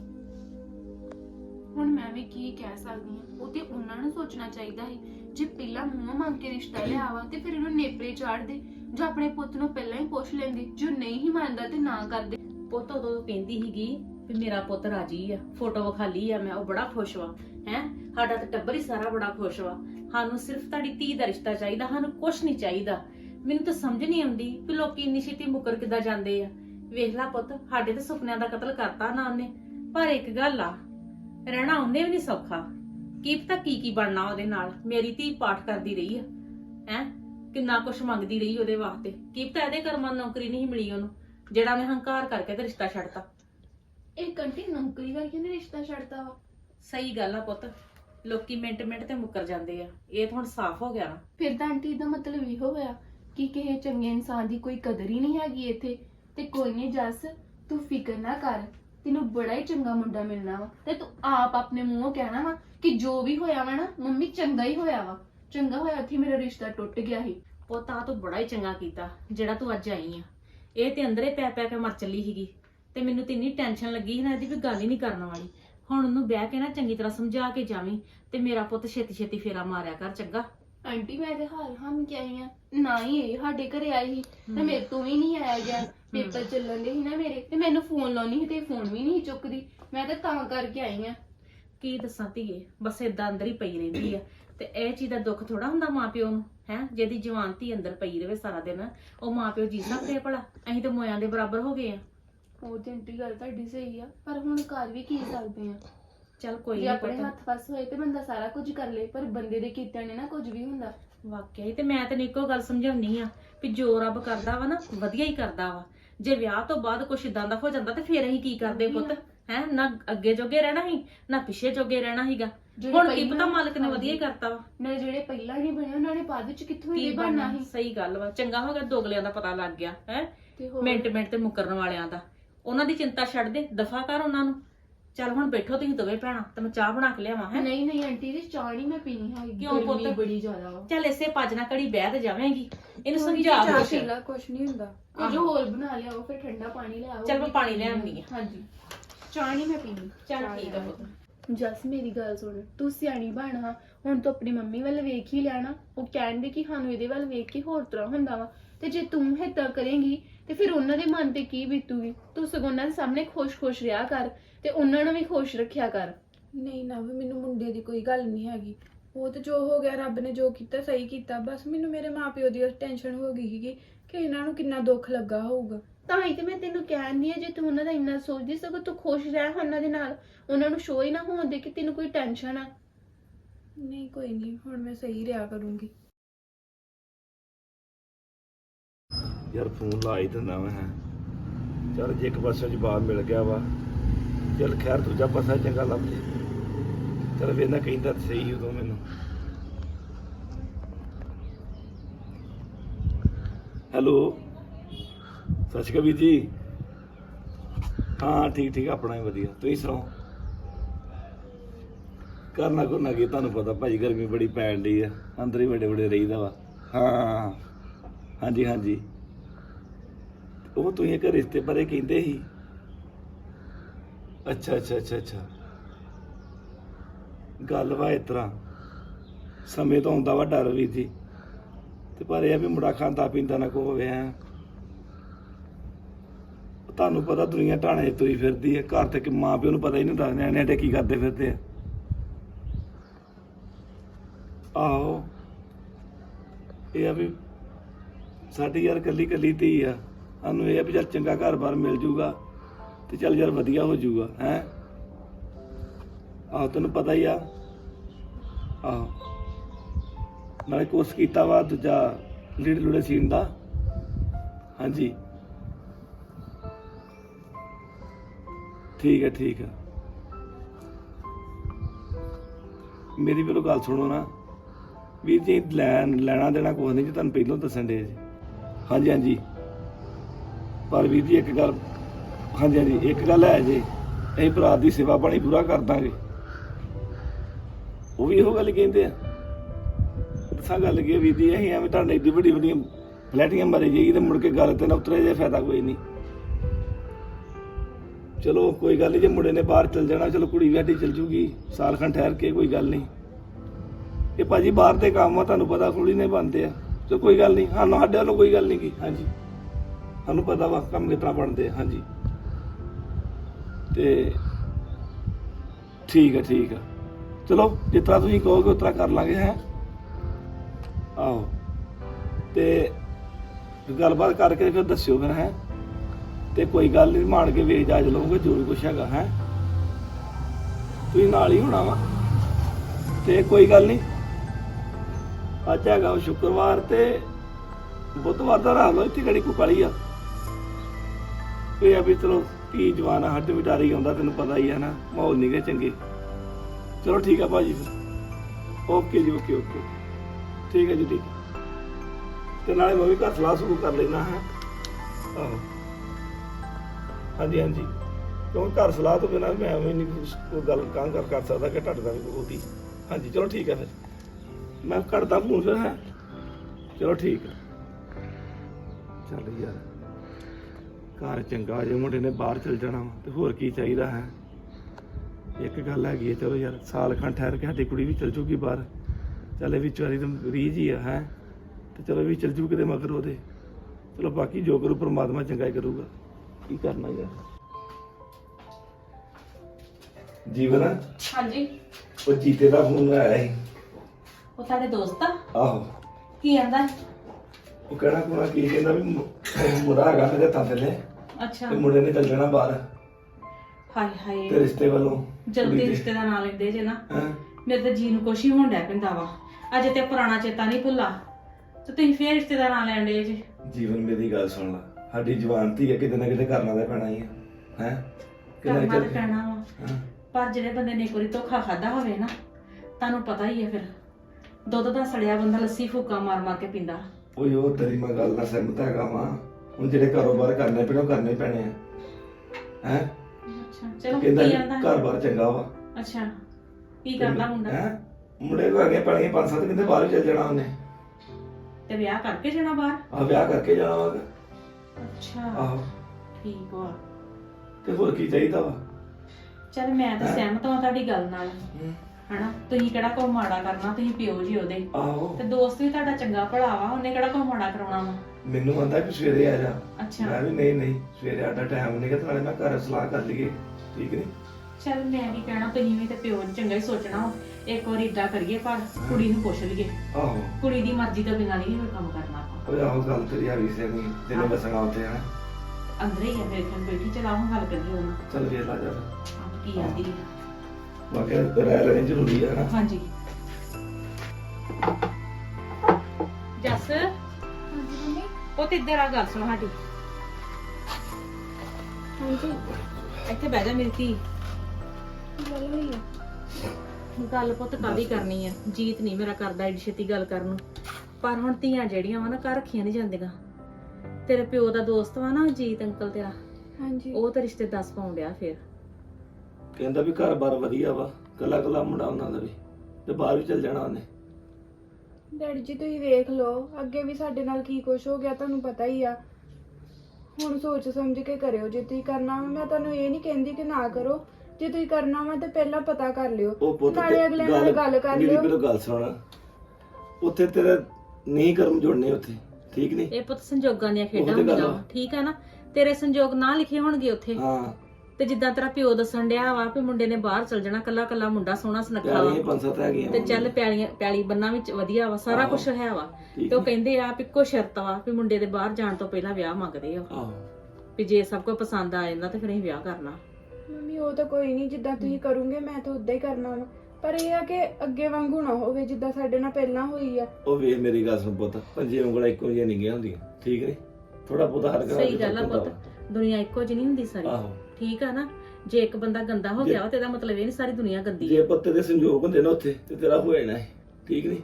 [SPEAKER 4] ਹੁਣ ਮੈਂ ਵੀ ਕੀ ਕਹਿ ਸਕਦੀ ਆ, ਉਹ ਤੇ ਉਹਨਾਂ ਨੂੰ ਸੋਚਣਾ ਚਾਹੀਦਾ ਸੀ। ਜੇ ਪਹਿਲਾਂ ਮੂੰਹ ਮੰਗ ਕੇ ਰਿਸ਼ਤਾ ਲਿਆਵਾ ਤੇ ਫਿਰ ਇਹਨੂੰ ਨੇਪਰੇ ਚਾੜਦੇ, ਜਾਂ ਆਪਣੇ ਪੁੱਤ ਨੂੰ ਪਹਿਲਾਂ ਹੀ ਪੁੱਛ ਲੈਂਦੇ। ਜੋ ਨਹੀਂ ਹੀ ਮੰਨਦਾ ਤੇ ਨਾ ਕਰਦੇ।
[SPEAKER 3] ਪੁੱਤ ਉਦੋਂ ਕਹਿੰਦੀ ਸੀਗੀ ਵੀ ਮੇਰਾ ਪੁੱਤ ਰਾਜੀ ਆ, ਫੋਟੋ ਵਿਖਾਲੀ ਆ ਮੈਂ, ਉਹ ਬੜਾ ਖੁਸ਼ ਵਾ, ਹੈ ਸਾਡਾ ਤਾਂ ਟੱਬਰ ਹੀ ਸਾਰਾ ਬੜਾ ਖੁਸ਼ ਵਾ, ਸਾਨੂੰ ਸਿਰਫ ਤੁਹਾਡੀ ਧੀ ਦਾ ਰਿਸ਼ਤਾ ਚਾਹੀਦਾ, ਸਾਨੂੰ ਕੁਛ ਨਹੀਂ ਚਾਹੀਦਾ। ਮੈਨੂੰ ਤਾਂ ਸਮਝ ਨਹੀਂ ਆਉਂਦੀ ਵੀ ਲੋਕੀ ਇੰਨੀ ਛੇਤੀ ਮੁੱਕਰ ਕਿੱਦਾਂ ਜਾਂਦੇ ਆ। ਵੇਖ ਲੈ ਪੁੱਤ, ਸਾਡੇ ਤੇ ਸੁਪਨਿਆਂ ਦਾ ਕਤਲ ਕਰਤਾ ਨਾ ਉਹਨੇ, ਪਰ ਇੱਕ ਗੱਲ ਆ, ਰਹਿਣਾ ਉਹਨੇ ਵੀ ਨਹੀਂ ਸੌਖਾ। ਕੀ ਪਤਾ ਕੀ ਬਣਨਾ ਉਹਦੇ ਨਾਲ। ਮੇਰੀ ਧੀ ਪਾਠ ਕਰਦੀ ਰਹੀ ਆ, ਹੈ ਕਿੰਨਾ ਕੁਛ ਮੰਗਦੀ ਰਹੀ ਉਹਦੇ ਵਾਸਤੇ, ਕੀ ਪਤਾ ਇਹਦੇ ਕਰਮਾਂ ਨੌਕਰੀ ਨਹੀਂ ਮਿਲੀ ਉਹਨੂੰ, ਜਿਹੜਾ ਉਹਨੇ ਹੰਕਾਰ ਕਰਕੇ ਤੇ ਰਿਸ਼ਤਾ ਛੱਡਤਾ।
[SPEAKER 4] ਇਹ ਕੰਟੀ ਨੌਕਰੀ ਕਰਕੇ ਨੇ ਰਿਸ਼ਤਾ ਛੱਡਤਾ ਵਾ।
[SPEAKER 3] ਸਹੀ ਗੱਲ ਆ ਪੁੱਤ, ਲੋਕੀ ਮਿੰਟ ਤੇ ਮੁੱਕਰ ਜਾਂਦੇ ਆ, ਇਹ ਤਾਂ ਹੁਣ ਸਾਫ਼ ਹੋ ਗਿਆ ਨਾ।
[SPEAKER 4] ਫਿਰ ਤਾਂ ਆਂਟੀ ਦਾ ਮਤਲਬ ਇਹੋ ਹੋਇਆ ਕਿ ਕਿਸੇ ਚੰਗੇ ਇਨਸਾਨ ਦੀ ਕੋਈ ਕਦਰ ਹੀ ਨਹੀਂ ਹੈਗੀ ਇੱਥੇ। ਤੇ ਕੋਈ ਨਹੀਂ ਜੱਸ, ਤੂੰ ਫਿਕਰ ਨਾ ਕਰ, ਤੈਨੂੰ ਬੜਾ ਹੀ ਚੰਗਾ ਮੁੰਡਾ ਮਿਲਣਾ ਵਾ। ਤੇ ਤੂੰ ਆਪ ਆਪਣੇ ਮੂੰਹੋਂ ਕਹਿਣਾ ਵਾ ਕਿ ਜੋ ਵੀ ਹੋਇਆ ਵਾ ਨਾ ਮੰਮੀ ਚੰਗਾ ਹੀ ਹੋਇਆ ਵਾ, ਚੰਗਾ ਹੋਇਆ ਕਿ ਮੇਰਾ ਰਿਸ਼ਤਾ ਟੁੱਟ ਗਿਆ ਸੀ।
[SPEAKER 3] ਪੁੱਤ ਆ ਤੂੰ ਬੜਾ ਹੀ ਚੰਗਾ ਕੀਤਾ ਜਿਹੜਾ ਤੂੰ ਅੱਜ ਆਈ ਆ। ਇਹ ਤੇ ਅੰਦਰੇ ਪੈ ਕੇ ਮਰ ਚੱਲੀ ਸੀਗੀ, ਤੇ ਮੈਨੂੰ ਤੇ ਇੰਨੀ ਟੈਨਸ਼ਨ ਲੱਗੀ ਸੀ ਨਾ, ਇਹਦੀ ਵੀ ਗੱਲ ਹੀ ਨਹੀਂ ਕਰਨ ਵਾਲੀ। ਹੁਣ ਉਹਨੂੰ ਬਹਿ ਕੇ ਨਾ ਚੰਗੀ ਤਰ੍ਹਾਂ ਸਮਝਾ ਕੇ ਜਾਵੀਂ, ਤੇ ਮੇਰਾ ਪੁੱਤ ਛੇਤੀ ਫੇਰਾ ਮਾਰਿਆ ਕਰ, ਚੰਗਾ?
[SPEAKER 4] ਆਂਟੀ ਮੈਂ ਤੇ ਹਾਲ ਹਮ ਕਿ ਆਈ ਆ, ਨਾ ਹੀ ਇਹ ਸਾਡੇ ਘਰੇ ਆਈ ਸੀ ਤੇ ਮੇਰੇ ਤੋਂ ਵੀ ਨਹੀਂ ਆਇਆ ਗਿਆ। ਪੇਪਰ ਚੱਲਣ ਦੇ ਸੀ ਨਾ ਮੇਰੇ, ਤੇ ਮੈਨੂੰ ਫੋਨ ਲਾਉਣੀ ਸੀ ਤੇ ਫੋਨ ਵੀ ਨਹੀਂ ਚੁੱਕਦੀ, ਮੈਂ ਤਾਂ ਕਰਕੇ ਆਈ ਆ।
[SPEAKER 3] ਕੀ ਦੱਸਾਂ ਧੀਏ, ਬਸ ਏਦਾਂ ਅੰਦਰ ਹੀ ਪਈ ਰਹਿੰਦੀ ਆ, ਤੇ ਇਹ ਚੀਜ਼ ਦਾ ਦੁੱਖ ਥੋੜਾ ਹੁੰਦਾ ਮਾਪਿਓ ਨੂੰ, ਹੈ ਜਿਹਦੀ ਜਵਾਨ ਧੀ ਅੰਦਰ ਪਈ ਰਵੇ ਸਾਰਾ ਦਿਨ, ਉਹ ਮਾਪਿਓ ਜੀ ਸਕਦੇ ਭਲਾ? ਅਸੀਂ ਤਾਂ ਮੋਇਆਂ ਦੇ ਬਰਾਬਰ ਹੋ ਗਏ ਆ।
[SPEAKER 4] ਉਹ ਤੇ ਆਂਟੀ ਗੱਲ ਤੁਹਾਡੀ ਸਹੀ ਆ, ਪਰ ਹੁਣ ਕਰ ਵੀ ਕੀ ਸਕਦੇ ਆ।
[SPEAKER 3] ਚੱਲ ਕੋਈ
[SPEAKER 4] ਜੇ
[SPEAKER 3] ਨਹੀਂ
[SPEAKER 4] ਆਪਣੇ
[SPEAKER 3] ਪੁੱਤ,
[SPEAKER 4] ਹੱਥ ਫਸ ਹੋਏ ਤੇ ਬੰਦਾ ਸਾਰਾ ਕੁਝ ਕਰ ਲੇ, ਪਰ ਬੰਦੇ ਦੇ ਕੀਤਿਆਂ ਨੇ ਨਾ ਕੁਝ ਵੀ ਹੁੰਦਾ।
[SPEAKER 3] ਵਾਕਿਆ ਹੀ। ਤੇ ਮੈਂ ਤੈਨੂੰ ਇੱਕੋ ਗੱਲ ਸਮਝਾਉਣੀ ਆ ਵੀ ਜੋ ਰੱਬ ਕਰਦਾ ਵਾ ਨਾ ਵਧੀਆ ਹੀ ਕਰਦਾ ਵਾ। ਜੇ ਵਿਆਹ ਤੋਂ ਬਾਅਦ ਕੁਛ ਇਦਾਂ ਦਾ ਹੋ ਜਾਂਦਾ ਤੇ ਫੇਰ ਅਸੀਂ ਕੀ ਕਰਦੇ ਪੁੱਤ? ਹੈ ਨਾ ਅੱਗੇ ਜੋਗੇ ਰਹਿਣਾ ਸੀ ਨਾ ਪਿੱਛੇ ਜੋਗੇ ਰਹਿਣਾ ਸੀਗਾ। ਹੁਣ ਕੀ ਪਤਾ ਮਾਲਕ ਨੇ ਵਧੀਆ ਹੀ ਕਰਤਾ ਵਾ।
[SPEAKER 4] ਨਾ ਜਿਹੜੇ ਪਹਿਲਾਂ ਹੀ ਬਣੇ ਉਹਨਾਂ ਨੇ ਬਾਅਦ ਵਿੱਚ ਕਿੱਥੋਂ
[SPEAKER 3] ਕੀ
[SPEAKER 4] ਹੀ ਬਣਨਾ ਸੀ।
[SPEAKER 3] ਸਹੀ ਗੱਲ ਵਾ, ਚੰਗਾ ਹੋ ਗਿਆ ਦੋਗਲਿਆਂ ਦਾ ਪਤਾ ਲੱਗ ਗਿਆ ਹੈ,
[SPEAKER 4] ਤੇ ਹੋਰ
[SPEAKER 3] ਮਿੰਟ ਤੇ ਮੁਕਰਨ ਵਾਲਿਆਂ ਦਾ। ਉਹਨਾਂ ਦੀ ਚਿੰਤਾ ਛੱਡ ਦੇ, ਦਫਾ ਕਰ ਉਹਨਾਂ ਨੂੰ। ਚੱਲ ਹੁਣ ਬੈਠੋ ਤੁਸੀਂ ਦੋਵੇਂ ਭੈਣਾਂ, ਤੇ ਮੈਂ ਚਾਹ ਬਣਾ ਕੇ ਲਿਆਵਾਂ। ਹੈ
[SPEAKER 4] ਨਹੀਂ ਆਂਟੀ ਜੀ, ਚਾਹ ਨਹੀਂ ਮੈਂ ਪੀਣੀ ਹੈਗੀ,
[SPEAKER 3] ਕਿਉਂ ਪੁੱਤ?
[SPEAKER 4] ਗਰਮੀ ਬੜੀ ਜ਼ਿਆਦਾ ਵਾ।
[SPEAKER 3] ਚੱਲ ਇਸੇ ਭੱਜ ਨਾਲ ਘੜੀ ਬਹਿ ਤੇ ਜਾਵੇਂਗੀ, ਇਹਨੂੰ
[SPEAKER 5] ਥੋੜ੍ਹੀ
[SPEAKER 3] ਸਮਝਾ
[SPEAKER 5] ਜਿਹੀ ਚਾਹ
[SPEAKER 3] ਕੁਛ।
[SPEAKER 5] ਪੀ ਲਾ, ਕੁਛ ਨਹੀਂ ਹੁੰਦਾ।
[SPEAKER 4] ਕੁਝ ਹੋਰ ਬਣਾ ਲਿਆਓ, ਫਿਰ ਠੰਡਾ ਪਾਣੀ ਲਿਆਓ।
[SPEAKER 3] ਚੱਲ ਮੈਂ ਪਾਣੀ ਲਿਆਉਂਦੀ ਆ।
[SPEAKER 4] ਹਾਂਜੀ, ਚਾਹ ਨਹੀਂ ਮੈਂ ਪੀਣੀ।
[SPEAKER 3] ਚੱਲ ਠੀਕ ਆ ਪੁੱਤ।
[SPEAKER 4] ਜਸ ਮੇਰੀ ਗੱਲ ਸੁਣ, ਤੂੰ ਸਿਆਣੀ ਬਣ ਹਾਂ। ਹੁਣ ਤੂੰ ਆਪਣੀ ਮੰਮੀ ਵੱਲ ਵੇਖ ਹੀ ਲੈਣਾ, ਉਹ ਕਹਿੰਦੇ ਕਿ ਸਾਨੂੰ ਇਹਦੇ ਵੱਲ ਵੇਖ ਕੇ ਹੋਰ ਤਰ੍ਹਾਂ ਹੁੰਦਾ ਵਾ, ਤੇ ਜੇ ਤੂੰ ਏਦਾਂ ਕਰੇਂਗੀ ਤੇ ਫਿਰ ਉਹਨਾਂ ਦੇ ਮਨ ਤੇ ਕੀ ਬੀਤੂਗੀ? ਤੂੰ ਸਗੋਂ ਉਹਨਾਂ ਦੇ ਸਾਹਮਣੇ ਖੁਸ਼ ਰਿਹਾ ਕਰ, ਤੇ ਉਹਨਾਂ ਨੂੰ ਵੀ ਖੁਸ਼ ਰੱਖਿਆ ਕਰ।
[SPEAKER 5] ਨਹੀਂ ਨਾ, ਮੈਨੂੰ ਮੁੰਡੇ ਦੀ ਕੋਈ ਗੱਲ ਨਹੀਂ ਹੈਗੀ, ਉਹ ਤੇ ਜੋ ਹੋ ਗਿਆ ਰੱਬ ਨੇ ਜੋ ਕੀਤਾ ਸਹੀ ਕੀਤਾ। ਬਸ ਮੈਨੂੰ ਮੇਰੇ ਮਾਪਿਓ ਦੀ ਟੈਨਸ਼ਨ ਹੋ ਗਈ ਸੀਗੀ ਕਿ ਇਹਨਾਂ ਨੂੰ ਕਿੰਨਾ ਦੁੱਖ ਲੱਗਾ ਹੋਊਗਾ।
[SPEAKER 4] ਤਾਂ ਹੀ ਤੇ ਮੈਂ ਤੈਨੂੰ ਕਹਿੰਦੀ ਆ, ਜੇ ਤੂੰ ਉਹਨਾਂ ਦਾ ਇੰਨਾ ਸੋਚਦੀ, ਸਗੋਂ ਤੂੰ ਖੁਸ਼ ਰਹਿ ਉਹਨਾਂ ਦੇ ਨਾਲ। ਉਹਨਾਂ ਨੂੰ ਸ਼ੋਅ ਹੀ ਨਾ ਹੋਣ ਦੇ ਕਿ ਤੈਨੂੰ ਕੋਈ ਟੈਨਸ਼ਨ ਆ।
[SPEAKER 5] ਨਹੀਂ ਕੋਈ ਨਹੀਂ, ਹੁਣ ਮੈਂ ਸਹੀ ਰਿਹਾ ਕਰੂੰਗੀ।
[SPEAKER 6] ਯਾਰ ਫੋਨ ਲਾ ਹੀ ਦਿੰਦਾ ਮੈਂ। ਚੱਲ ਜੇ ਇੱਕ ਪਾਸੇ ਜਵਾਬ ਮਿਲ ਗਿਆ ਵਾ, ਚੱਲ ਖੈਰ ਦੂਜਾ ਪਾਸਾ ਚੰਗਾ ਲੱਭ ਜੇ। ਚੱਲ ਵੇਖਣਾ ਕਹਿੰਦਾ ਤਾਂ ਸਹੀ ਉਦੋਂ ਮੈਨੂੰ। ਹੈਲੋ, ਸਤਿ ਸ਼੍ਰੀ ਅਕਾਲ ਵੀਰ ਜੀ। ਹਾਂ ਠੀਕ ਆਪਣਾ ਹੀ ਵਧੀਆ, ਤੁਸੀਂ ਸੁਣਾਓ? ਕਰਨਾ ਕੀ, ਤੁਹਾਨੂੰ ਪਤਾ ਭਾਜੀ ਗਰਮੀ ਬੜੀ ਪੈਣ ਡਈ ਆ, ਅੰਦਰ ਹੀ ਵੱਡੇ ਰਹੀਦਾ ਵਾ। ਹਾਂ ਹਾਂਜੀ ਉਹ ਤੁਸੀਂ ਇੱਕ ਰਿਸ਼ਤੇ ਬਾਰੇ ਕਹਿੰਦੇ ਸੀ। ਅੱਛਾ ਅੱਛਾ ਅੱਛਾ ਅੱਛਾ, ਗੱਲ ਵਾ ਇਸ ਤਰ੍ਹਾਂ, ਸਮੇਂ ਤੋਂ ਆਉਂਦਾ ਵਾ ਡਰ ਵੀ ਜੀ, ਤੇ ਪਰ ਇਹ ਆ ਵੀ ਮੁੰਡਾ ਖਾਂਦਾ ਪੀਂਦਾ ਨਾ ਕੋ ਹੋਵੇ ਹੈ। ਤੁਹਾਨੂੰ ਪਤਾ ਦੁਨੀਆ ਢਾਣੇ ਤੁਰੀ ਫਿਰਦੀ ਹੈ, ਘਰ ਤੇ ਮਾਂ ਪਿਓ ਨੂੰ ਪਤਾ ਹੀ ਨਹੀਂ ਹੁੰਦਾ ਨਿਆਣੇ ਸਾਡੇ ਕੀ ਕਰਦੇ ਫਿਰਦੇ ਆ। ਆਹੋ ਇਹ ਆ ਵੀ ਸਾਡੀ ਯਾਰ ਕੱਲੀ ਕੱਲੀ ਧੀ ਆ, ਸਾਨੂੰ ਇਹ ਆ ਵੀ ਚੱਲ ਚੰਗਾ ਘਰ-ਬਾਰ ਮਿਲ ਜੂਗਾ ਤੇ ਚੱਲ ਯਾਰ ਵਧੀਆ ਹੋ ਜੂਗਾ ਹੈ। ਆਹੋ ਤੈਨੂੰ ਪਤਾ ਹੀ ਆ। ਆਹੋ ਨਾਲੇ ਕੋਰਸ ਕੀਤਾ ਵਾ ਦੂਜਾ ਲੀੜੇ ਲੂੜੇ ਸੀਨ ਦਾ। ਹਾਂਜੀ ਠੀਕ ਹੈ ਠੀਕ ਹੈ। ਮੇਰੀ ਵੀ ਗੱਲ ਸੁਣੋ ਨਾ ਵੀਰ ਜੀ, ਲੈਣਾ ਦੇਣਾ ਕੁਛ ਨਹੀਂ ਜੀ, ਤੁਹਾਨੂੰ ਪਹਿਲਾਂ ਦੱਸਣ ਦੇ ਜੀ। ਹਾਂਜੀ ਹਾਂਜੀ ਪਰ ਵੀਰ ਜੀ ਇੱਕ ਗੱਲ, ਹਾਂਜੀ ਹਾਂਜੀ ਇੱਕ ਗੱਲ ਹੈ ਜੀ, ਅਸੀਂ ਭਰਾ ਦੀ ਸੇਵਾ ਪਾਣੀ ਪੂਰਾ ਕਰ ਦਾਂਗੇ। ਉਹ ਵੀ ਇਹੋ ਗੱਲ ਕਹਿੰਦੇ ਆ। ਦੱਸਾਂ ਗੱਲ ਕੀ ਵੀਰ ਜੀ, ਅਸੀਂ ਐਵੇਂ ਤੁਹਾਡੇ ਏਡੀ ਵੱਡੀ ਵੱਡੀਆਂ ਫਲੈਟੀਆਂ ਮਾਰੇ ਜਾਈਏ ਤੇ ਮੁੜ ਕੇ ਗੱਲ ਤੇ ਨਾ ਉਤਰੇ ਜੇ ਫਾਇਦਾ ਕੋਈ ਨਹੀਂ। ਚਲੋ ਕੋਈ ਗੱਲ ਨਹੀਂ, ਜੇ ਮੁੰਡੇ ਨੇ ਬਾਹਰ ਚਲ ਜਾਣਾ ਚਲੋ ਕੁੜੀ ਵੀ ਸਾਡੀ ਚਲ ਜੂਗੀ ਸਾਲ ਖੰਡ ਠਹਿਰ ਕੇ, ਕੋਈ ਗੱਲ ਨਹੀਂ। ਇਹ ਭਾਜੀ ਬਾਹਰ ਦੇ ਕੰਮ ਆ, ਤੁਹਾਨੂੰ ਪਤਾ ਕੁੜੀ ਨੇ ਬਣਦੇ ਆ, ਚਲੋ ਕੋਈ ਗੱਲ ਨਹੀਂ, ਸਾਨੂੰ ਸਾਡੇ ਵੱਲੋਂ ਕੋਈ ਗੱਲ ਨਹੀਂ ਕੀ। ਹਾਂਜੀ ਸਾਨੂੰ ਪਤਾ ਵਾ ਕੰਮ ਕਿਸ ਤਰ੍ਹਾਂ ਬਣਦੇ ਆ। ਹਾਂਜੀ ਤੇ ਠੀਕ ਆ ਠੀਕ ਆ, ਚਲੋ ਜਿਸ ਤਰ੍ਹਾਂ ਤੁਸੀਂ ਕਹੋਗੇ ਉਸ ਤਰ੍ਹਾਂ ਕਰ ਲਾਂਗੇ ਹੈ। ਆਹੋ ਤੇ ਗੱਲਬਾਤ ਕਰਕੇ ਫਿਰ ਦੱਸਿਓ ਫਿਰ ਹੈ। ਤੇ ਕੋਈ ਗੱਲ ਨਹੀਂ, ਮਾਣ ਕੇ ਵੇਚ ਜਾਜ ਲਵਾਂਗੇ ਜੋ ਵੀ ਕੁਛ ਹੈਗਾ ਹੈ, ਤੁਸੀਂ ਨਾਲ ਹੀ ਹੋਣਾ ਵਾ। ਤੇ ਕੋਈ ਗੱਲ ਨਹੀਂ, ਅੱਜ ਹੈਗਾ ਸ਼ੁੱਕਰਵਾਰ ਤੇ ਬੁੱਧਵਾਰ ਦਾ ਰਾਤ ਲੋ, ਇੱਥੇ ਕਿਹੜੀ ਕੋਈ ਕਾਲੀ ਆ। ਇਹ ਆ ਵੀ ਚਲੋ ਕੀ ਜਵਾਨ ਆ, ਹੱਡ ਵੀ ਡਰ ਹੀ ਆਉਂਦਾ, ਤੈਨੂੰ ਪਤਾ ਹੀ ਹੈ ਨਾ, ਮਾਹੌਲ ਨਹੀਂ ਗੇ ਚੰਗੇ। ਚਲੋ ਠੀਕ ਆ ਭਾਜੀ ਫਿਰ, ਓਕੇ ਜੀ ਓਕੇ ਓਕੇ ਠੀਕ ਹੈ ਜੀ ਠੀਕ ਹੈ। ਤੇ ਨਾਲੇ ਮੈਂ ਵੀ ਘਰ ਸਲਾਹ ਸ਼ੁਰੂ ਕਰ ਲੈਣਾ ਹੈ। ਆਹੋ ਹਾਂਜੀ ਹਾਂਜੀ, ਕਿਉਂਕਿ ਘਰ ਸਲਾਹ ਤੋਂ ਬਿਨਾਂ ਮੈਂ ਐਵੇਂ ਨਹੀਂ ਕੋਈ ਗੱਲ ਕਾਂ ਕਰ ਸਕਦਾ ਕਿ ਤੁਹਾਡੇ ਦਾ ਵੀ ਉਹਦੀ। ਹਾਂਜੀ ਚਲੋ ਠੀਕ ਹੈ ਫਿਰ, ਮੈਂ ਕਰਦਾ ਫੋਨ ਫਿਰ ਹੈ। ਚਲੋ ਠੀਕ ਹੈ। ਚੱਲ ਯਾਰ ਘਰ ਚੰਗਾ ਜੇ ਮੁੰਡੇ ਨੇ ਬਾਹਰ ਚਲ ਜਾਣਾ ਵਾ ਤੇ ਹੋਰ ਕੀ ਚਾਹੀਦਾ ਹੈ। ਇੱਕ ਗੱਲ ਹੈਗੀ ਹੈ, ਚਲੋ ਯਾਰ ਸਾਲ ਖੰਡ ਠਹਿਰ ਕੇ ਸਾਡੀ ਕੁੜੀ ਵੀ ਚਲ ਜੂਗੀ ਬਾਹਰ, ਚੱਲ ਇਹ ਵਿਚਾਰੀ ਤਾਂ ਰੀਝ ਹੀ ਆ ਹੈ, ਤੇ ਚਲੋ ਵੀ ਚਲ ਜੂ ਕਿਤੇ ਮਗਰ ਉਹਦੇ। ਚਲੋ ਬਾਕੀ ਜੋ ਕਰੂ ਪਰਮਾਤਮਾ ਚੰਗਾ ਹੀ ਕਰੂਗਾ, ਕੀ ਕਰਨਾ ਯਾਰ। ਜੀਵਨ
[SPEAKER 3] ਹਾਂਜੀ,
[SPEAKER 6] ਉਹ ਜੀਤੇ ਦਾ ਫੋਨ ਆਇਆ ਸੀ।
[SPEAKER 3] ਉਹ ਤੁਹਾਡੇ ਦੋਸਤ ਆ?
[SPEAKER 6] ਆਹੋ
[SPEAKER 3] ਕੀ ਆਂਦਾ?
[SPEAKER 6] ਉਹ ਕਹਿਣਾ ਕੋਣਾ ਕੀ ਕਹਿੰਦਾ ਵੀ ਮੁੰਡਾ ਹੈਗਾ ਮੇਰੇ ਹੱਥਾਂ ਥੱਲੇ
[SPEAKER 3] ਅੱਛਾ,
[SPEAKER 6] ਤੇ ਮੁੰਡੇ ਨੇ ਚੱਲ ਜਾਣਾ ਬਾਹਰ
[SPEAKER 3] ਹਾਏ
[SPEAKER 6] ਤੇ
[SPEAKER 3] ਹਾਏ,
[SPEAKER 6] ਰਿਸ਼ਤੇ ਵੱਲੋਂ।
[SPEAKER 3] ਜਲਦੀ ਰਿਸ਼ਤੇ ਦਾ ਨਾਂ ਲੈਂਦੇ ਜੇ ਨਾ,
[SPEAKER 6] ਹੈਂ?
[SPEAKER 3] ਮੇਰੇ ਤਾਂ ਜੀ ਨੂੰ ਕੁਛ ਹੀ ਹੋਣ ਡਿਆ ਪੈਂਦਾ ਵਾ। ਅਜੇ ਤੇ ਪੁਰਾਣਾ ਚੇਤਾ ਨਹੀਂ ਭੁੱਲਾ ਤੇ ਤੁਸੀਂ ਫੇਰ ਰਿਸ਼ਤੇ ਦਾ ਨਾਂ ਲੈਣ ਦੇ ਜੇ। ਤੇ
[SPEAKER 6] ਮੇਰੀ ਗੱਲ ਸੁਣ ਲਾ, ਸਾਡੀ ਜਵਾਨ ਧੀ ਹੈ, ਕਿਤੇ ਨਾ ਕਿਤੇ ਕਰਨਾ ਤਾਂ ਪੈਣਾ ਹੀ ਹੈ।
[SPEAKER 3] ਕਰਨਾ ਤੇ ਪੈਣਾ ਵਾ, ਪਰ ਜਿਹੜੇ ਬੰਦੇ ਨੇ ਇੱਕ ਵਾਰੀ ਧੋਖਾ ਖਾਦਾ ਹੋਵੇ ਨਾ, ਤੁਹਾਨੂੰ ਪਤਾ ਹੀ ਹੈ ਫਿਰ ਦੁੱਧ ਦਾ ਸੜਿਆ ਬੰਦਾ ਲੱਸੀ ਫੂਕਾ ਮਾਰ ਮਾਰ ਕੇ ਪੀਂਦਾ।
[SPEAKER 6] ਓਏ ਉਹ ਤੇਰੀ ਮੈਂ ਗੱਲ ਨਾਲ ਸਹਿਮਤ ਹੈਗਾ ਵਾਂ, ਹੁਣ ਜਿਹੜੇ ਕਾਰੋਬਾਰ ਕਰਨੇ ਪੈਣੇ ਉਹ ਕਰਨੇ ਪੈਣੇ ਆ ਹੈ।
[SPEAKER 3] ਅੱਛਾ ਚਲੋ,
[SPEAKER 6] ਕਹਿੰਦਾ
[SPEAKER 3] ਕੀ ਆਂਦਾ?
[SPEAKER 6] ਘਰ-ਬਾਰ ਚੰਗਾ ਵਾ।
[SPEAKER 3] ਅੱਛਾ ਕੀ ਕਰਦਾ ਮੁੰਡਾ?
[SPEAKER 6] ਹੈ ਮੁੰਡੇ ਕੋ ਹੈਗੇ ਪੈਣੀਆਂ 5-7, ਕਹਿੰਦੇ ਬਾਹਰ ਵੀ ਚੱਲ ਜਾਣਾ ਉਹਨੇ।
[SPEAKER 3] ਤੇ ਵਿਆਹ ਕਰਕੇ ਜਾਣਾ ਬਾਹਰ?
[SPEAKER 6] ਆ ਵਿਆਹ ਕਰਕੇ ਜਾਣਾ ਵਾ।
[SPEAKER 3] ਅੱਛਾ
[SPEAKER 6] ਆਹੋ
[SPEAKER 3] ਠੀਕ ਵਾ।
[SPEAKER 6] ਤੇ ਹੋਰ ਕੀ ਚਾਹੀਦਾ ਵਾ।
[SPEAKER 3] ਚਲ ਮੈਂ ਤਾਂ ਸਹਿਮਤ ਹਾਂ ਤੁਹਾਡੀ ਗੱਲ ਨਾਲ, ਹਨਾ? ਤੁਸੀਂ ਕਿਹੜਾ ਕੋਈ ਮਾੜਾ ਕਰਨਾ, ਤੁਸੀਂ ਪਿਓ ਜੀ ਉਹਦੇ,
[SPEAKER 6] ਆਹੋ
[SPEAKER 3] ਤੇ ਦੋਸਤ ਵੀ ਤੁਹਾਡਾ ਚੰਗਾ ਭਲਾ ਵਾ, ਉਹਨੇ ਕਿਹੜਾ ਕੋਈ ਮਾੜਾ ਕਰਾਉਣਾ ਵਾ।
[SPEAKER 6] ਮੈਨੂੰ ਕਹਿੰਦਾ ਕਿ ਸਵੇਰੇ ਆ ਜਾ।
[SPEAKER 3] ਅੱਛਾ
[SPEAKER 6] ਮੈਂ ਵੀ ਨਹੀਂ ਸਵੇਰੇ ਆਡਾ ਟਾਈਮ ਨਹੀਂ ਕਿ ਨਾਲੇ ਮੈਂ ਘਰ ਸਲਾਹ ਕਰ ਲਈਏ, ਠੀਕ ਨਹੀਂ।
[SPEAKER 3] ਚਲ ਮੈਂ ਕੀ ਕਹਿਣਾ, ਤੁਸੀਂ ਵੀ ਤੇ ਪਿਓ ਨੇ ਚੰਗਾ ਹੀ ਸੋਚਣਾ ਵਾ। ਇੱਕ ਵਾਰੀ ਏਦਾਂ ਕਰੀਏ, ਪਰ ਕੁੜੀ ਨੂੰ ਪੁੱਛ ਲਈਏ,
[SPEAKER 6] ਆਹੋ
[SPEAKER 3] ਕੁੜੀ ਦੀ ਮਰਜ਼ੀ ਤੋਂ ਬਿਨਾਂ ਨਹੀਂ ਕੋਈ ਕੰਮ ਕਰਨਾ ਆਪਾਂ।
[SPEAKER 6] ਉਹ ਆਹੋ ਗੱਲ ਤੇਰੀ ਹਾਰੀ ਸੇ ਨਹੀਂ ਜਿਹਨੇ ਬਸਣਾ ਉੱਥੇ ਹੈ।
[SPEAKER 3] ਅੰਦਰ ਹੀ ਆ ਮੇਰੇ ਕੋਲ ਬੈਠੀ, ਚਲਾਓ ਗੱਲ ਕਰੀਏ ਉਹਨੂੰ,
[SPEAKER 6] ਚੱਲ ਵੇਖ ਲਾ ਜਾ,
[SPEAKER 3] ਆਪ ਕੀ ਆਂਦੀ ਹੈ।
[SPEAKER 6] ਬਾਕੀ ਰਹਿ ਲੈਣੀ ਜ਼ਰੂਰੀ ਹੈ ਨਾ।
[SPEAKER 3] ਹਾਂਜੀ ਜੱਸ,
[SPEAKER 5] ਹਾਂਜੀ ਮੰਮੀ।
[SPEAKER 3] ਉਹ ਤੇ ਇੱਧਰ ਆ, ਗੱਲ ਸੁਣ ਸਾਡੀ।
[SPEAKER 5] ਹਾਂਜੀ
[SPEAKER 3] ਇੱਥੇ ਬਹਿ ਜਾ ਮੇਰੀ ਧੀ।
[SPEAKER 5] ਗੱਲ ਹੋਈ ਆ।
[SPEAKER 3] ਗੱਲ ਪੁੱਤ ਕਾਹਦੀ ਕਰਨੀ ਆ, ਜੀਤ ਨਹੀਂ ਮੇਰਾ ਕਰਦਾ ਏਡੀ ਛੇਤੀ ਗੱਲ ਕਰਨ ਨੂੰ, ਪਰ ਹੁਣ ਧੀਆਂ ਜਿਹੜੀਆਂ ਵਾ ਨਾ ਘਰ ਰੱਖੀਆਂ ਨਹੀਂ ਜਾਂਦੀਆਂ। ਤੇਰੇ ਪਿਓ ਦਾ ਦੋਸਤ ਵਾ ਨਾ ਜੀਤ ਅੰਕਲ ਤੇਰਾ,
[SPEAKER 5] ਹਾਂਜੀ
[SPEAKER 3] ਉਹ ਤੇ ਰਿਸ਼ਤੇ ਦੱਸ ਪਾਉਣ ਡਿਆ ਫੇਰ।
[SPEAKER 6] ਕਹਿੰਦਾ ਵੀ ਘਰ-ਬਾਰ ਵਧੀਆ ਵਾ, ਕੱਲਾ ਮੁੰਡਾ ਉਹਨਾਂ ਦਾ ਵੀ, ਤੇ ਬਾਹਰ ਵੀ ਚੱਲ ਜਾਣਾ ਉਹਨੇ।
[SPEAKER 5] ਡੈਡੀ ਜੀ ਤੁਸੀਂ ਵੇਖ ਲਓ, ਅੱਗੇ ਵੀ ਸਾਡੇ ਨਾਲ ਕੀ ਕੁਛ ਹੋ ਗਿਆ ਤੁਹਾਨੂੰ ਪਤਾ ਹੀ ਆ। ਹੁਣ ਸੋਚ ਸਮਝ ਕੇ ਕਰਿਓ। ਜੇ ਤੁਸੀਂ ਕਰਨਾ ਵਾ, ਮੈਂ ਤੁਹਾਨੂੰ ਇਹ ਨਹੀਂ ਕਹਿੰਦੀ ਕਿ ਨਾ ਕਰੋ। ਜੇ ਤੁਸੀਂ ਕਰਨਾ ਵਾ ਤੇ ਪਹਿਲਾਂ ਪਤਾ ਕਰ ਲਿਓ,
[SPEAKER 6] ਉਹ ਪੁੱਤ
[SPEAKER 5] ਨਾਲੇ ਅਗਲੇ ਨਾਲ ਗੱਲ ਕਰ
[SPEAKER 6] ਮੇਰੀ
[SPEAKER 5] ਲਿਓ।
[SPEAKER 6] ਪਹਿਲਾਂ ਗੱਲ ਸੁਣ, ਉੱਥੇ ਤੇਰਾ ਨਹੀਂ ਕਰਮ ਜੁੜਨੇ ਉੱਥੇ, ਠੀਕ ਨਹੀਂ?
[SPEAKER 3] ਇਹ ਪੁੱਤ ਸੰਜੋਗਾਂ ਦੀਆਂ ਖੇਡਾਂ
[SPEAKER 6] ਉਹ ਤੇ ਗੱਲ
[SPEAKER 3] ਹੁੰਦੀਆਂ
[SPEAKER 6] ਆ।
[SPEAKER 3] ਵਾ, ਠੀਕ ਆ ਨਾ। ਤੇਰੇ ਸੰਜੋਗ ਨਾ ਲਿਖੇ ਹੋਣਗੇ ਉੱਥੇ,
[SPEAKER 6] ਹਾਂ,
[SPEAKER 3] ਤੇ ਜਿੱਦਾਂ ਤੇਰਾ ਪਿਓ ਦੱਸਣ ਡਿਆ ਵਾ ਵੀ ਮੁੰਡੇ ਨੇ ਬਾਹਰ ਚਲ ਜਾਣਾ, ਕੱਲਾ ਕੱਲਾ ਮੁੰਡਾ ਸੋਹਣਾ ਸੁਨੱਖਾ ਵਾ,
[SPEAKER 6] ਪਿਆਰੀਆਂ 5-7 ਹੈਗੀਆਂ
[SPEAKER 3] ਤੇ ਚੱਲ ਪੈਲੀ ਬੰਨਾ ਵਿੱਚ ਵਧੀਆ ਵਾ, ਸਾਰਾ
[SPEAKER 6] ਆਹੋ।
[SPEAKER 3] ਕੁਝ ਹੈ ਵਾ।
[SPEAKER 6] ਠੀਕ
[SPEAKER 3] ਤੇ ਉਹ ਕਹਿੰਦੇ ਆ ਵੀ ਇੱਕੋ ਸ਼ਰਤ ਵਾ ਵੀ ਮੁੰਡੇ ਦੇ ਬਾਹਰ ਜਾਣ ਤੋਂ ਪਹਿਲਾਂ ਵਿਆਹ ਮੰਗਦੇ ਆ
[SPEAKER 6] ਆਹੋ,
[SPEAKER 3] ਵੀ ਜੇ ਸਭ ਕੁਝ ਪਸੰਦ ਆ ਜਾਂਦਾ ਤੇ ਫਿਰ ਅਸੀਂ ਵਿਆਹ ਕਰਨਾ।
[SPEAKER 5] ਮੰਮੀ ਉਹ ਤਾਂ ਕੋਈ ਨਹੀਂ, ਜਿੱਦਾਂ ਤੁਸੀਂ ਕਰੋਗੇ ਮੈਂ ਤਾਂ ਉਦਾਂ ਹੀ ਕਰਨਾ ਵਾ। ਪਰ ਇਹ ਆ ਕਿ ਅੱਗੇ ਵਾਂਗੂ ਨਾ ਹੋਵੇ ਜਿੱਦਾਂ ਸਾਡੇ ਨਾਲ ਪਹਿਲਾਂ ਹੋਈ ਆ।
[SPEAKER 6] ਉਹ ਵੇਖ ਮੇਰੀ ਗੱਲ ਸੁਣ ਪੁੱਤ, ਪੰਜੇ ਉਂਗਲਾਂ ਇੱਕੋ ਜਿਹੀਆਂ ਨਹੀਂ ਹੁੰਦੀਆਂ, ਠੀਕ ਨਹੀਂ? ਥੋੜਾ ਬਹੁਤਾ ਹਰ
[SPEAKER 3] ਸਹੀ ਗੱਲ ਆ ਪੁੱਤ, ਦੁਨੀਆ ਇੱਕੋ ਜਿਹੀ ਨਹੀਂ ਹੁੰਦੀ ਸਾਰੀ,
[SPEAKER 6] ਆਹੋ।
[SPEAKER 3] ਠੀਕ ਆ ਨਾ। ਜੇ ਇੱਕ ਬੰਦਾ ਗੰਦਾ ਹੋ ਗਿਆ ਵਾ ਤੇ ਇਹਦਾ ਮਤਲਬ ਇਹ ਨਹੀਂ ਸਾਰੀ ਦੁਨੀਆ ਗੰਦੀ
[SPEAKER 6] ਜੇ
[SPEAKER 3] ਆ।
[SPEAKER 6] ਪੁੱਤ ਦੇ ਸੰਜੋਗ ਹੁੰਦੇ ਨਾ ਉੱਥੇ ਤੇ ਤੇਰਾ ਹੋ ਜਾਣਾ ਹੈ, ਠੀਕ ਨਹੀਂ?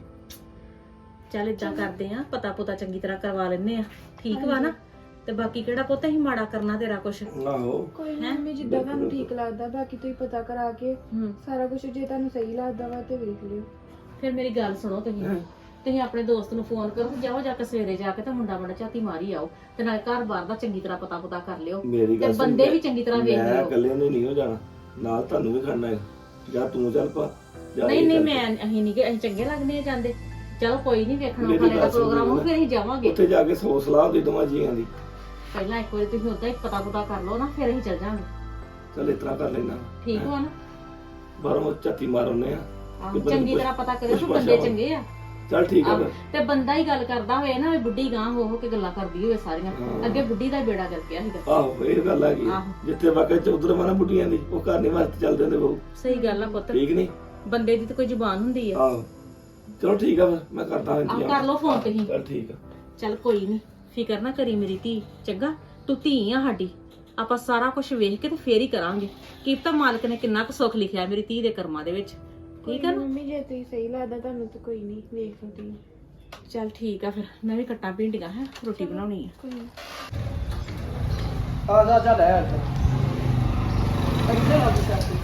[SPEAKER 3] ਚੱਲ ਏਦਾਂ ਕਰਦੇ ਆ, ਪਤਾ ਪੁਤਾ ਚੰਗੀ ਤਰ੍ਹਾਂ ਕਰਵਾ ਲੈਨੇ ਆ, ਠੀਕ ਵਾ ਨਾ। ਤੇ ਬਾਕੀ ਕਿਹੜਾ ਪੁੱਤ ਅਸੀਂ ਮਾੜਾ ਕਰਨਾ ਤੇਰਾ ਕੁਛ।
[SPEAKER 6] ਆਹੋ,
[SPEAKER 5] ਕੋਈ ਨੀ ਮੰਮੀ, ਜਿੱਦਾਂ ਤੁਹਾਨੂੰ ਠੀਕ ਲੱਗਦਾ, ਬਾਕੀ ਤੁਸੀਂ ਪਤਾ ਕਰਾ ਕੇ ਸਾਰਾ ਕੁਝ ਜੇ ਤੁਹਾਨੂੰ ਸਹੀ ਲੱਗਦਾ ਵਾ ਤੇ ਵੇਖ ਲਿਓ।
[SPEAKER 3] ਫਿਰ ਮੇਰੀ ਗੱਲ ਸੁਣੋ, ਤੁਸੀਂ ਆਪਣੇ ਦੋਸਤ ਨੂੰ ਫੋਨ ਕਰੋ ਤੇ ਜਾਓ ਜਾ ਕੇ ਸਵੇਰੇ ਜਾ ਕੇ ਤੇ ਮੁੰਡਾ ਝਾਤੀ ਮਾਰੀ ਆਓ, ਤੇ ਨਾਲ ਘਰ-ਬਾਰ ਦਾ ਚੰਗੀ ਤਰ੍ਹਾਂ ਪਤਾ ਕਰ ਲਿਓ,
[SPEAKER 6] ਮੇਰੀ
[SPEAKER 3] ਤੇ
[SPEAKER 6] ਗੱਲ ਸੁਣ,
[SPEAKER 3] ਬੰਦੇ ਵੀ ਚੰਗੀ ਤਰ੍ਹਾਂ ਵੇਖ
[SPEAKER 6] ਮੈਂ
[SPEAKER 3] ਲਿਓ।
[SPEAKER 6] ਇਕੱਲੇ ਨੂੰ ਨਹੀਂ ਹੋ ਜਾਣਾ, ਨਾਲ ਤੁਹਾਨੂੰ ਵੀ ਖੜਨਾ ਹੈ। ਜਾਂ ਤੂੰ ਚੱਲ ਪਾ, ਜਾਂ
[SPEAKER 3] ਨਹੀਂ
[SPEAKER 6] ਇਹ
[SPEAKER 3] ਨਹੀਂ,
[SPEAKER 6] ਚੱਲ ਪਾ।
[SPEAKER 3] ਅਸੀਂ ਨਹੀਂ ਗਏ, ਅਸੀਂ ਚੰਗੇ ਲੱਗਦੇ ਆ ਜਾਂਦੇ। ਚਲੋ ਕੋਈ ਨਹੀਂ, ਵੇਖਣਾ
[SPEAKER 6] ਮੇਰੀ
[SPEAKER 3] ਹਾਲੇ ਦਾ
[SPEAKER 6] ਗੱਲ ਸੁਣ
[SPEAKER 3] ਪ੍ਰੋਗਰਾਮ ਹੋ,
[SPEAKER 6] ਮੈਨੂੰ
[SPEAKER 3] ਫਿਰ ਅਸੀਂ ਜਾਵਾਂਗੇ।
[SPEAKER 6] ਉੱਥੇ ਜਾ ਕੇ ਸੌ ਸਲਾਹ ਦੇ ਦੋਵਾਂ ਜੀਆਂ ਦੀ।
[SPEAKER 3] ਪਹਿਲਾਂ ਇੱਕ ਵਾਰੀ ਤੁਸੀਂ ਉਦਾਂ ਹੀ ਪਤਾ ਕਰ ਲਓ ਨਾ, ਫਿਰ ਅਸੀਂ ਚੱਲ ਜਾਵਾਂਗੇ,
[SPEAKER 6] ਚੱਲ ਇਸ ਤਰ੍ਹਾਂ ਕਰ ਲੈਣਾ,
[SPEAKER 3] ਠੀਕ ਵਾ ਨਾ।
[SPEAKER 6] ਬਾਹਰੋਂ ਝਾਤੀ ਮਾਰਨੇ ਆ।
[SPEAKER 3] ਆਹੋ, ਚੰਗੀ ਤਰ੍ਹਾਂ ਪਤਾ ਕਰਿਓ ਕਿ ਬੰਦੇ ਚੰਗੇ ਆ।
[SPEAKER 6] ਚੱਲ ਠੀਕ ਆ
[SPEAKER 3] ਆਹੋ,
[SPEAKER 6] ਫਿਰ।
[SPEAKER 3] ਤੇ ਬੰਦਾ ਹੀ ਗੱਲ ਕਰਦਾ ਹੋਵੇ ਨਾ, ਵੀ ਬੁੱਢੀ ਗਾਂ ਹੋ ਕੇ ਗੱਲਾਂ ਕਰਦੀ ਹੋਵੇ ਸਾਰੀਆਂ।
[SPEAKER 6] ਹਾਂ।
[SPEAKER 3] ਅੱਗੇ ਬੁੱਢੀ ਦਾ ਹੀ ਬੇੜਾ ਕਰ ਗਿਆ ਸੀਗਾ।
[SPEAKER 6] ਆਹੋ, ਇਹ ਗੱਲ ਹੈਗੀ ਆ।
[SPEAKER 3] ਆਹੋ।
[SPEAKER 6] ਜਿੱਥੇ ਵਾਕਿਆ ਚੌਧਰ ਵਾ ਨਾ ਬੁੱਢੀਆਂ ਦੀ, ਉਹ ਘਰ ਨਹੀਂ ਵਾਸਤੇ ਚੱਲਦੇ ਹੁੰਦੇ ਬਹੁ,
[SPEAKER 3] ਸਹੀ ਗੱਲ ਆ ਪੁੱਤ,
[SPEAKER 6] ਠੀਕ ਨਹੀਂ?
[SPEAKER 3] ਬੰਦੇ ਦੀ ਤਾਂ ਕੋਈ ਜ਼ੁਬਾਨ ਹੁੰਦੀ ਆ।
[SPEAKER 6] ਆਹੋ, ਚਲੋ ਠੀਕ ਆ ਫਿਰ, ਮੈਂ ਕਰਦਾ
[SPEAKER 3] ਆਹ
[SPEAKER 6] ਇੰਤਜ਼ਾਮ।
[SPEAKER 3] ਕਰ ਲਓ ਫੋਨ ਤੁਸੀਂ।
[SPEAKER 6] ਚੱਲ ਠੀਕ ਆ।
[SPEAKER 3] ਚੱਲ ਕੋਈ ਨਹੀਂ, ਫਿਕਰ ਨਾ ਕਰੀ ਮੇਰੀ ਧੀ, ਚੰਗਾ? ਤੂੰ ਧੀ ਆ ਸਾਡੀ, ਆਪਾਂ ਸਾਰਾ ਕੁਝ ਵੇਖ ਕੇ ਤੇ ਫੇਰ ਹੀ ਕਰਾਂਗੇ। ਕੀ ਪਤਾ ਮਾਲਕ ਨੇ ਕਿੰਨਾ ਕੁ ਸੁੱਖ ਲਿਖਿਆ ਮੇਰੀ ਧੀ ਦੇ ਕਰਮਾਂ ਦੇ ਵਿੱਚ, ਠੀਕ ਆ ਨਾ?
[SPEAKER 5] ਮੰਮੀ ਜੇ ਤੁਸੀਂ ਸਹੀ ਲੱਗਦਾ ਤੁਹਾਨੂੰ ਤਾਂ ਕੋਈ ਨਹੀਂ, ਵੇਖ ਲਓ ਤੁਸੀਂ।
[SPEAKER 3] ਚੱਲ ਠੀਕ ਆ, ਫਿਰ ਮੈਂ ਵੀ ਕੱਟਾਂ ਭਿੰਡੀਆਂ, ਹੈ ਰੋਟੀ ਬਣਾਉਣੀ ਆ।
[SPEAKER 5] ਕੋਈ ਨੀ।
[SPEAKER 1] ਆ ਜਾ ਜਾ ਲੈ ਇੱਥੇ ਲੱਗ ਚੱਲਦੀ।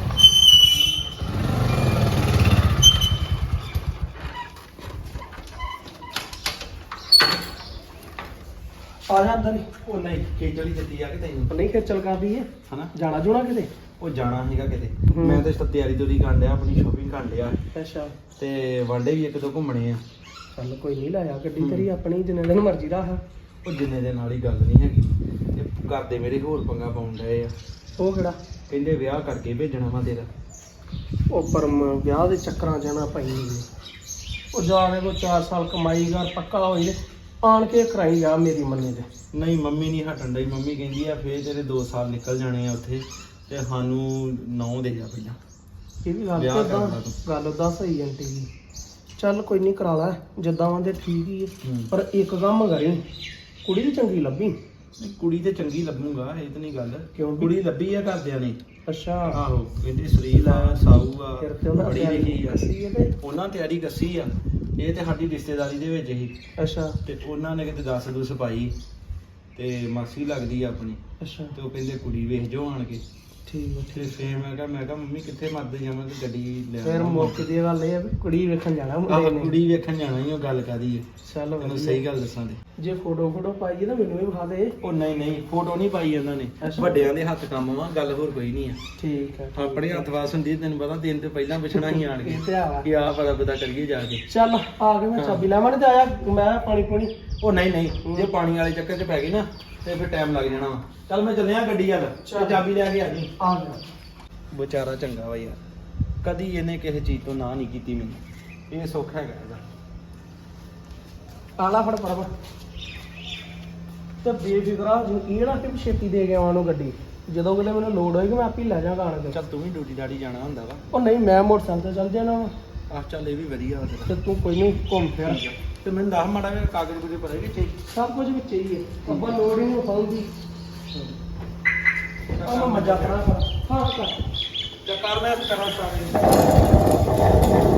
[SPEAKER 1] ਆ ਜਾ ਅੰਦਰ ਹੀ।
[SPEAKER 2] ਉਹ ਨਹੀਂ ਖੇਚਲੀ ਦਿੱਤੀ ਆ ਕਿ ਤੈਨੂੰ,
[SPEAKER 1] ਨਹੀਂ ਖੇਚਲ ਕਰਦੀ ਹੈ,
[SPEAKER 2] ਹਨਾ?
[SPEAKER 1] ਜਾਣਾ ਜੁਣਾ ਕਿਤੇ?
[SPEAKER 2] ਉਹ ਜਾਣਾ ਹੈਗਾ ਕਿਤੇ।
[SPEAKER 1] ਹੂੰ।
[SPEAKER 2] ਮੈਂ ਤਾਂ ਤਿਆਰੀ ਤੁਰੀ ਕਰਨ ਡਿਆ, ਆਪਣੀ ਸ਼ੋਪਿੰਗ ਕਰਨ ਡਿਆ,
[SPEAKER 1] ਅੱਛਾ,
[SPEAKER 2] ਤੇ ਵਾਂਡੇ ਵੀ ਇੱਕ ਦੋ ਘੁੰਮਣੇ ਆ।
[SPEAKER 1] ਚੱਲ ਕੋਈ ਨਹੀਂ, ਲਾਇਆ ਗੱਡੀ ਤੇਰੀ ਆਪਣੀ, ਜਿੰਨੇ ਦਿਨ ਮਰਜ਼ੀ ਦਾ ਆ।
[SPEAKER 2] ਉਹ ਜਿੰਨੇ ਦੇ ਨਾਲ ਹੀ ਗੱਲ ਨਹੀਂ ਹੈਗੀ, ਤੇ ਘਰ ਦੇ ਮੇਰੇ ਹੋਰ ਪੰਗਾ ਪਾਉਣ ਡਏ ਆ।
[SPEAKER 1] ਉਹ ਕਿਹੜਾ?
[SPEAKER 2] ਕਹਿੰਦੇ ਵਿਆਹ ਕਰਕੇ ਭੇਜਣਾ ਵਾ ਤੇਰਾ।
[SPEAKER 1] ਉਹ ਪਰਮ ਵਿਆਹ ਦੇ ਚੱਕਰਾਂ ਜਾਣਾ ਪਈ। ਉਹ ਜਾਣੇ ਕੋ 4 ਸਾਲ ਕਮਾਈ ਕਰ ਪੱਕਾ ਹੋਈ ਨੇ, ਆਣ ਕੇ ਕਰਾਈ ਜਾ ਮੇਰੀ ਮੰਨੇ ਤੇ।
[SPEAKER 2] ਨਹੀਂ ਮੰਮੀ ਨਹੀਂ ਹਟਣ ਡਈ, ਮੰਮੀ ਕਹਿੰਦੀ ਆ ਫੇਰ ਤੇਰੇ 2 ਸਾਲ ਨਿਕਲ ਜਾਣੇ ਆ ਉੱਥੇ, ਤੇ ਸਾਨੂੰ 9 ਦੇ ਜਾ ਪਹਿਲਾਂ।
[SPEAKER 1] ਇਹ ਵੀ ਗੱਲ
[SPEAKER 2] ਵਿਆਹ
[SPEAKER 1] ਤਾਂ
[SPEAKER 2] ਕਰਨਾ
[SPEAKER 1] ਏਦਾਂ-
[SPEAKER 2] ਤੂੰ।
[SPEAKER 1] ਗੱਲ ਉਦਾਂ ਸਹੀ ਆਂਟੀ ਜੀ। ਚੱਲ ਕੋਈ ਨਹੀਂ, ਕਰਾ ਲੈ ਜਿੱਦਾਂ ਆਂਦੇ ਠੀਕ ਹੀ ਹੈ।
[SPEAKER 2] ਹੂੰ।
[SPEAKER 1] ਪਰ ਇੱਕ ਕੰਮ ਕਰੀ, ਕੁੜੀ ਵੀ ਚੰਗੀ ਲੱਭੀ।
[SPEAKER 2] ਨਹੀਂ, ਕੁੜੀ ਤੇ ਚੰਗੀ ਲੱਭੂਗਾ, ਇਹ ਤਾਂ ਨਹੀਂ ਗੱਲ।
[SPEAKER 1] ਕਿਉਂ?
[SPEAKER 2] ਕੁੜੀ ਲੱਭੀ ਆ ਘਰਦਿਆਂ ਨੇ।
[SPEAKER 1] ਅੱਛਾ,
[SPEAKER 2] ਆਹੋ, ਕਹਿੰਦੇ ਸੁਰੀਲ ਆ, ਸਾਊ ਆ,
[SPEAKER 1] ਫਿਰ ਤੇ ਉਹਨਾਂ
[SPEAKER 2] ਬੜੀ ਲਿਖੀ ਆ।
[SPEAKER 1] ਸੀ ਇਹਦੇ।
[SPEAKER 2] ਉਹਨਾਂ ਤਿਆਰੀ ਕੱਸੀ ਆ, ਇਹ ਤੇ ਸਾਡੀ ਰਿਸ਼ਤੇਦਾਰੀ ਦੇ ਵਿੱਚ ਹੀ।
[SPEAKER 1] ਅੱਛਾ
[SPEAKER 2] ਤੇ ਉਹਨਾਂ ਨੇ ਕਿਤੇ 10 ਦੂਸ ਪਾਈ, ਤੇ ਮਾਸੀ ਲੱਗਦੀ ਆ ਆਪਣੀ,
[SPEAKER 1] ਅੱਛਾ,
[SPEAKER 2] ਤੇ ਉਹ ਕਹਿੰਦੇ ਕੁੜੀ ਵੇਖ ਜੋ ਆਣ ਕੇ।
[SPEAKER 1] ਠੀਕ ਹੈ।
[SPEAKER 2] ਤੇ ਫੇਰ ਮੈਂ ਕਿਹਾ ਮੰਮੀ ਕਿੱਥੇ ਮਰਦੇ ਜਾਵਾਂ, ਤੇ ਗੱਡੀ ਲੈ
[SPEAKER 1] ਫਿਰ ਮੌਕੇ ਦੀ ਗੱਲ ਇਹ ਆ ਵੀ ਕੁੜੀ ਵੇਖਣ ਜਾਣਾ
[SPEAKER 2] ਆਹ
[SPEAKER 1] ਮੁੰਡੇ ਨੇ।
[SPEAKER 2] ਕੁੜੀ ਵੇਖਣ ਜਾਣਾ ਹੀ, ਉਹ ਗੱਲ ਕਾਦੀ ਹੈ।
[SPEAKER 1] ਚੱਲ
[SPEAKER 2] ਤੈਨੂੰ
[SPEAKER 1] ਵਧੀਆ।
[SPEAKER 2] ਸਹੀ ਗੱਲ ਦੱਸਾਂ ਤੇ
[SPEAKER 1] ਜੇ ਫੋਟੋ ਪਾਈਏ ਤਾਂ ਮੈਨੂੰ ਵੀ ਵਿਖਾ ਦੇ।
[SPEAKER 2] ਉਹ ਨਹੀਂ ਫੋਟੋ ਨਹੀਂ ਪਾਈ ਉਹਨਾਂ ਨੇ,
[SPEAKER 1] ਅੱਛਾ।
[SPEAKER 2] ਵੱਡਿਆਂ ਦੇ ਹੱਥ ਕੰਮ ਵਾ, ਗੱਲ ਹੋਰ ਕੋਈ ਨਹੀਂ ਆ।
[SPEAKER 1] ਠੀਕ ਹੈ,
[SPEAKER 2] ਆਪਣੇ ਹੱਥ ਵਾਸ ਹੁੰਦੀ, ਤੈਨੂੰ ਪਤਾ ਦਿਨ ਤੋਂ ਪਹਿਲਾਂ ਪੁੱਛਣਾ ਹੀ ਆਣ ਕੇ
[SPEAKER 1] ਇਹ ਤੇ ਆ।
[SPEAKER 2] ਕਿ ਆਹ ਪਤਾ ਕਰੀਏ ਜਾ ਕੇ।
[SPEAKER 1] ਚੱਲ ਆ ਕੇ ਮੈਂ ਚਾਬੀ ਲੈਵਾਂ ਤੇ ਆਇਆ ਮੈਂ ਪਾਣੀ ਪੂਣੀ।
[SPEAKER 2] ਉਹ ਨਹੀਂ ਜੇ ਪਾਣੀ ਵਾਲੇ ਚੱਕਰ 'ਚ ਪੈ ਗਈ ਨਾ, ਤੇ ਫਿਰ ਟਾਈਮ ਲੱਗ ਜਾਣਾ ਵਾ। ਚੱਲ ਮੈਂ ਚੱਲਿਆ ਗੱਡੀ ਵੱਲ, ਤੇ ਚਾਬੀ ਲੈ ਕੇ ਆ ਜੀ।
[SPEAKER 1] ਆ ਗਿਆ।
[SPEAKER 2] ਵਿਚਾਰਾ ਚੰਗਾ ਵਾ ਯਾਰ, ਕਦੀ ਇਹਨੇ ਕਿਸੇ ਚੀਜ਼ ਤੋਂ ਨਾ ਨਹੀਂ ਕੀਤੀ ਮੈਨੂੰ, ਇਹ ਸੁੱਖ ਹੈਗਾ ਇਹਦਾ।
[SPEAKER 1] ਆਲਾ ਫੜ ਪਰਮ ਤੇ ਬੇਫਿਕਰਾ ਯਕੀਨ ਆ ਕਿ ਛੇਤੀ ਦੇ ਕੇ ਆਵਾਂ ਨੂੰ ਗੱਡੀ, ਜਦੋਂ ਕਿਤੇ ਮੈਨੂੰ ਲੋੜ ਹੋਏਗੀ ਮੈਂ ਆਪੇ ਲੈ ਜਾਵਾਂਗਾ ਆਣ ਕੇ।
[SPEAKER 2] ਚੱਲ ਤੂੰ ਵੀ ਡਿਊਟੀ ਦਾੜੀ ਜਾਣਾ ਹੁੰਦਾ ਵਾ।
[SPEAKER 1] ਉਹ ਨਹੀਂ, ਮੈਂ ਮੋਟਰਸਾਈਕਲ ਤੇ ਚੱਲ ਜਾਣਾ ਵਾ।
[SPEAKER 2] ਆਹ ਚੱਲ ਇਹ ਵੀ ਵਧੀਆ ਵਾ ਤੇਰਾ।
[SPEAKER 1] ਤੇ ਤੂੰ ਕੋਈ ਨਹੀਂ ਘੁੰਮ ਫਿਰ,
[SPEAKER 2] ਤੇ ਮੈਨੂੰ ਦੱਸ ਮਾੜਾ ਜਿਹਾ ਕਾਗਜ਼ ਕੁਝ ਭਰੇ ਕਿੱਥੇ?
[SPEAKER 1] ਸਭ ਕੁਝ ਵਿੱਚ ਹੀ ਹੈ, ਆਪਾਂ ਲੋੜ ਹੀ ਨਹੀਂ ਪਾਉਂਦੀ। ਆ ਮੈਂ ਮਜ਼ਾ ਕਰਾਂ। ਹਾਂ ਕਰ।
[SPEAKER 2] ਚੱਲ ਕਰ, ਮੈਂ ਕਰਾਂ ਸਾਰੇ।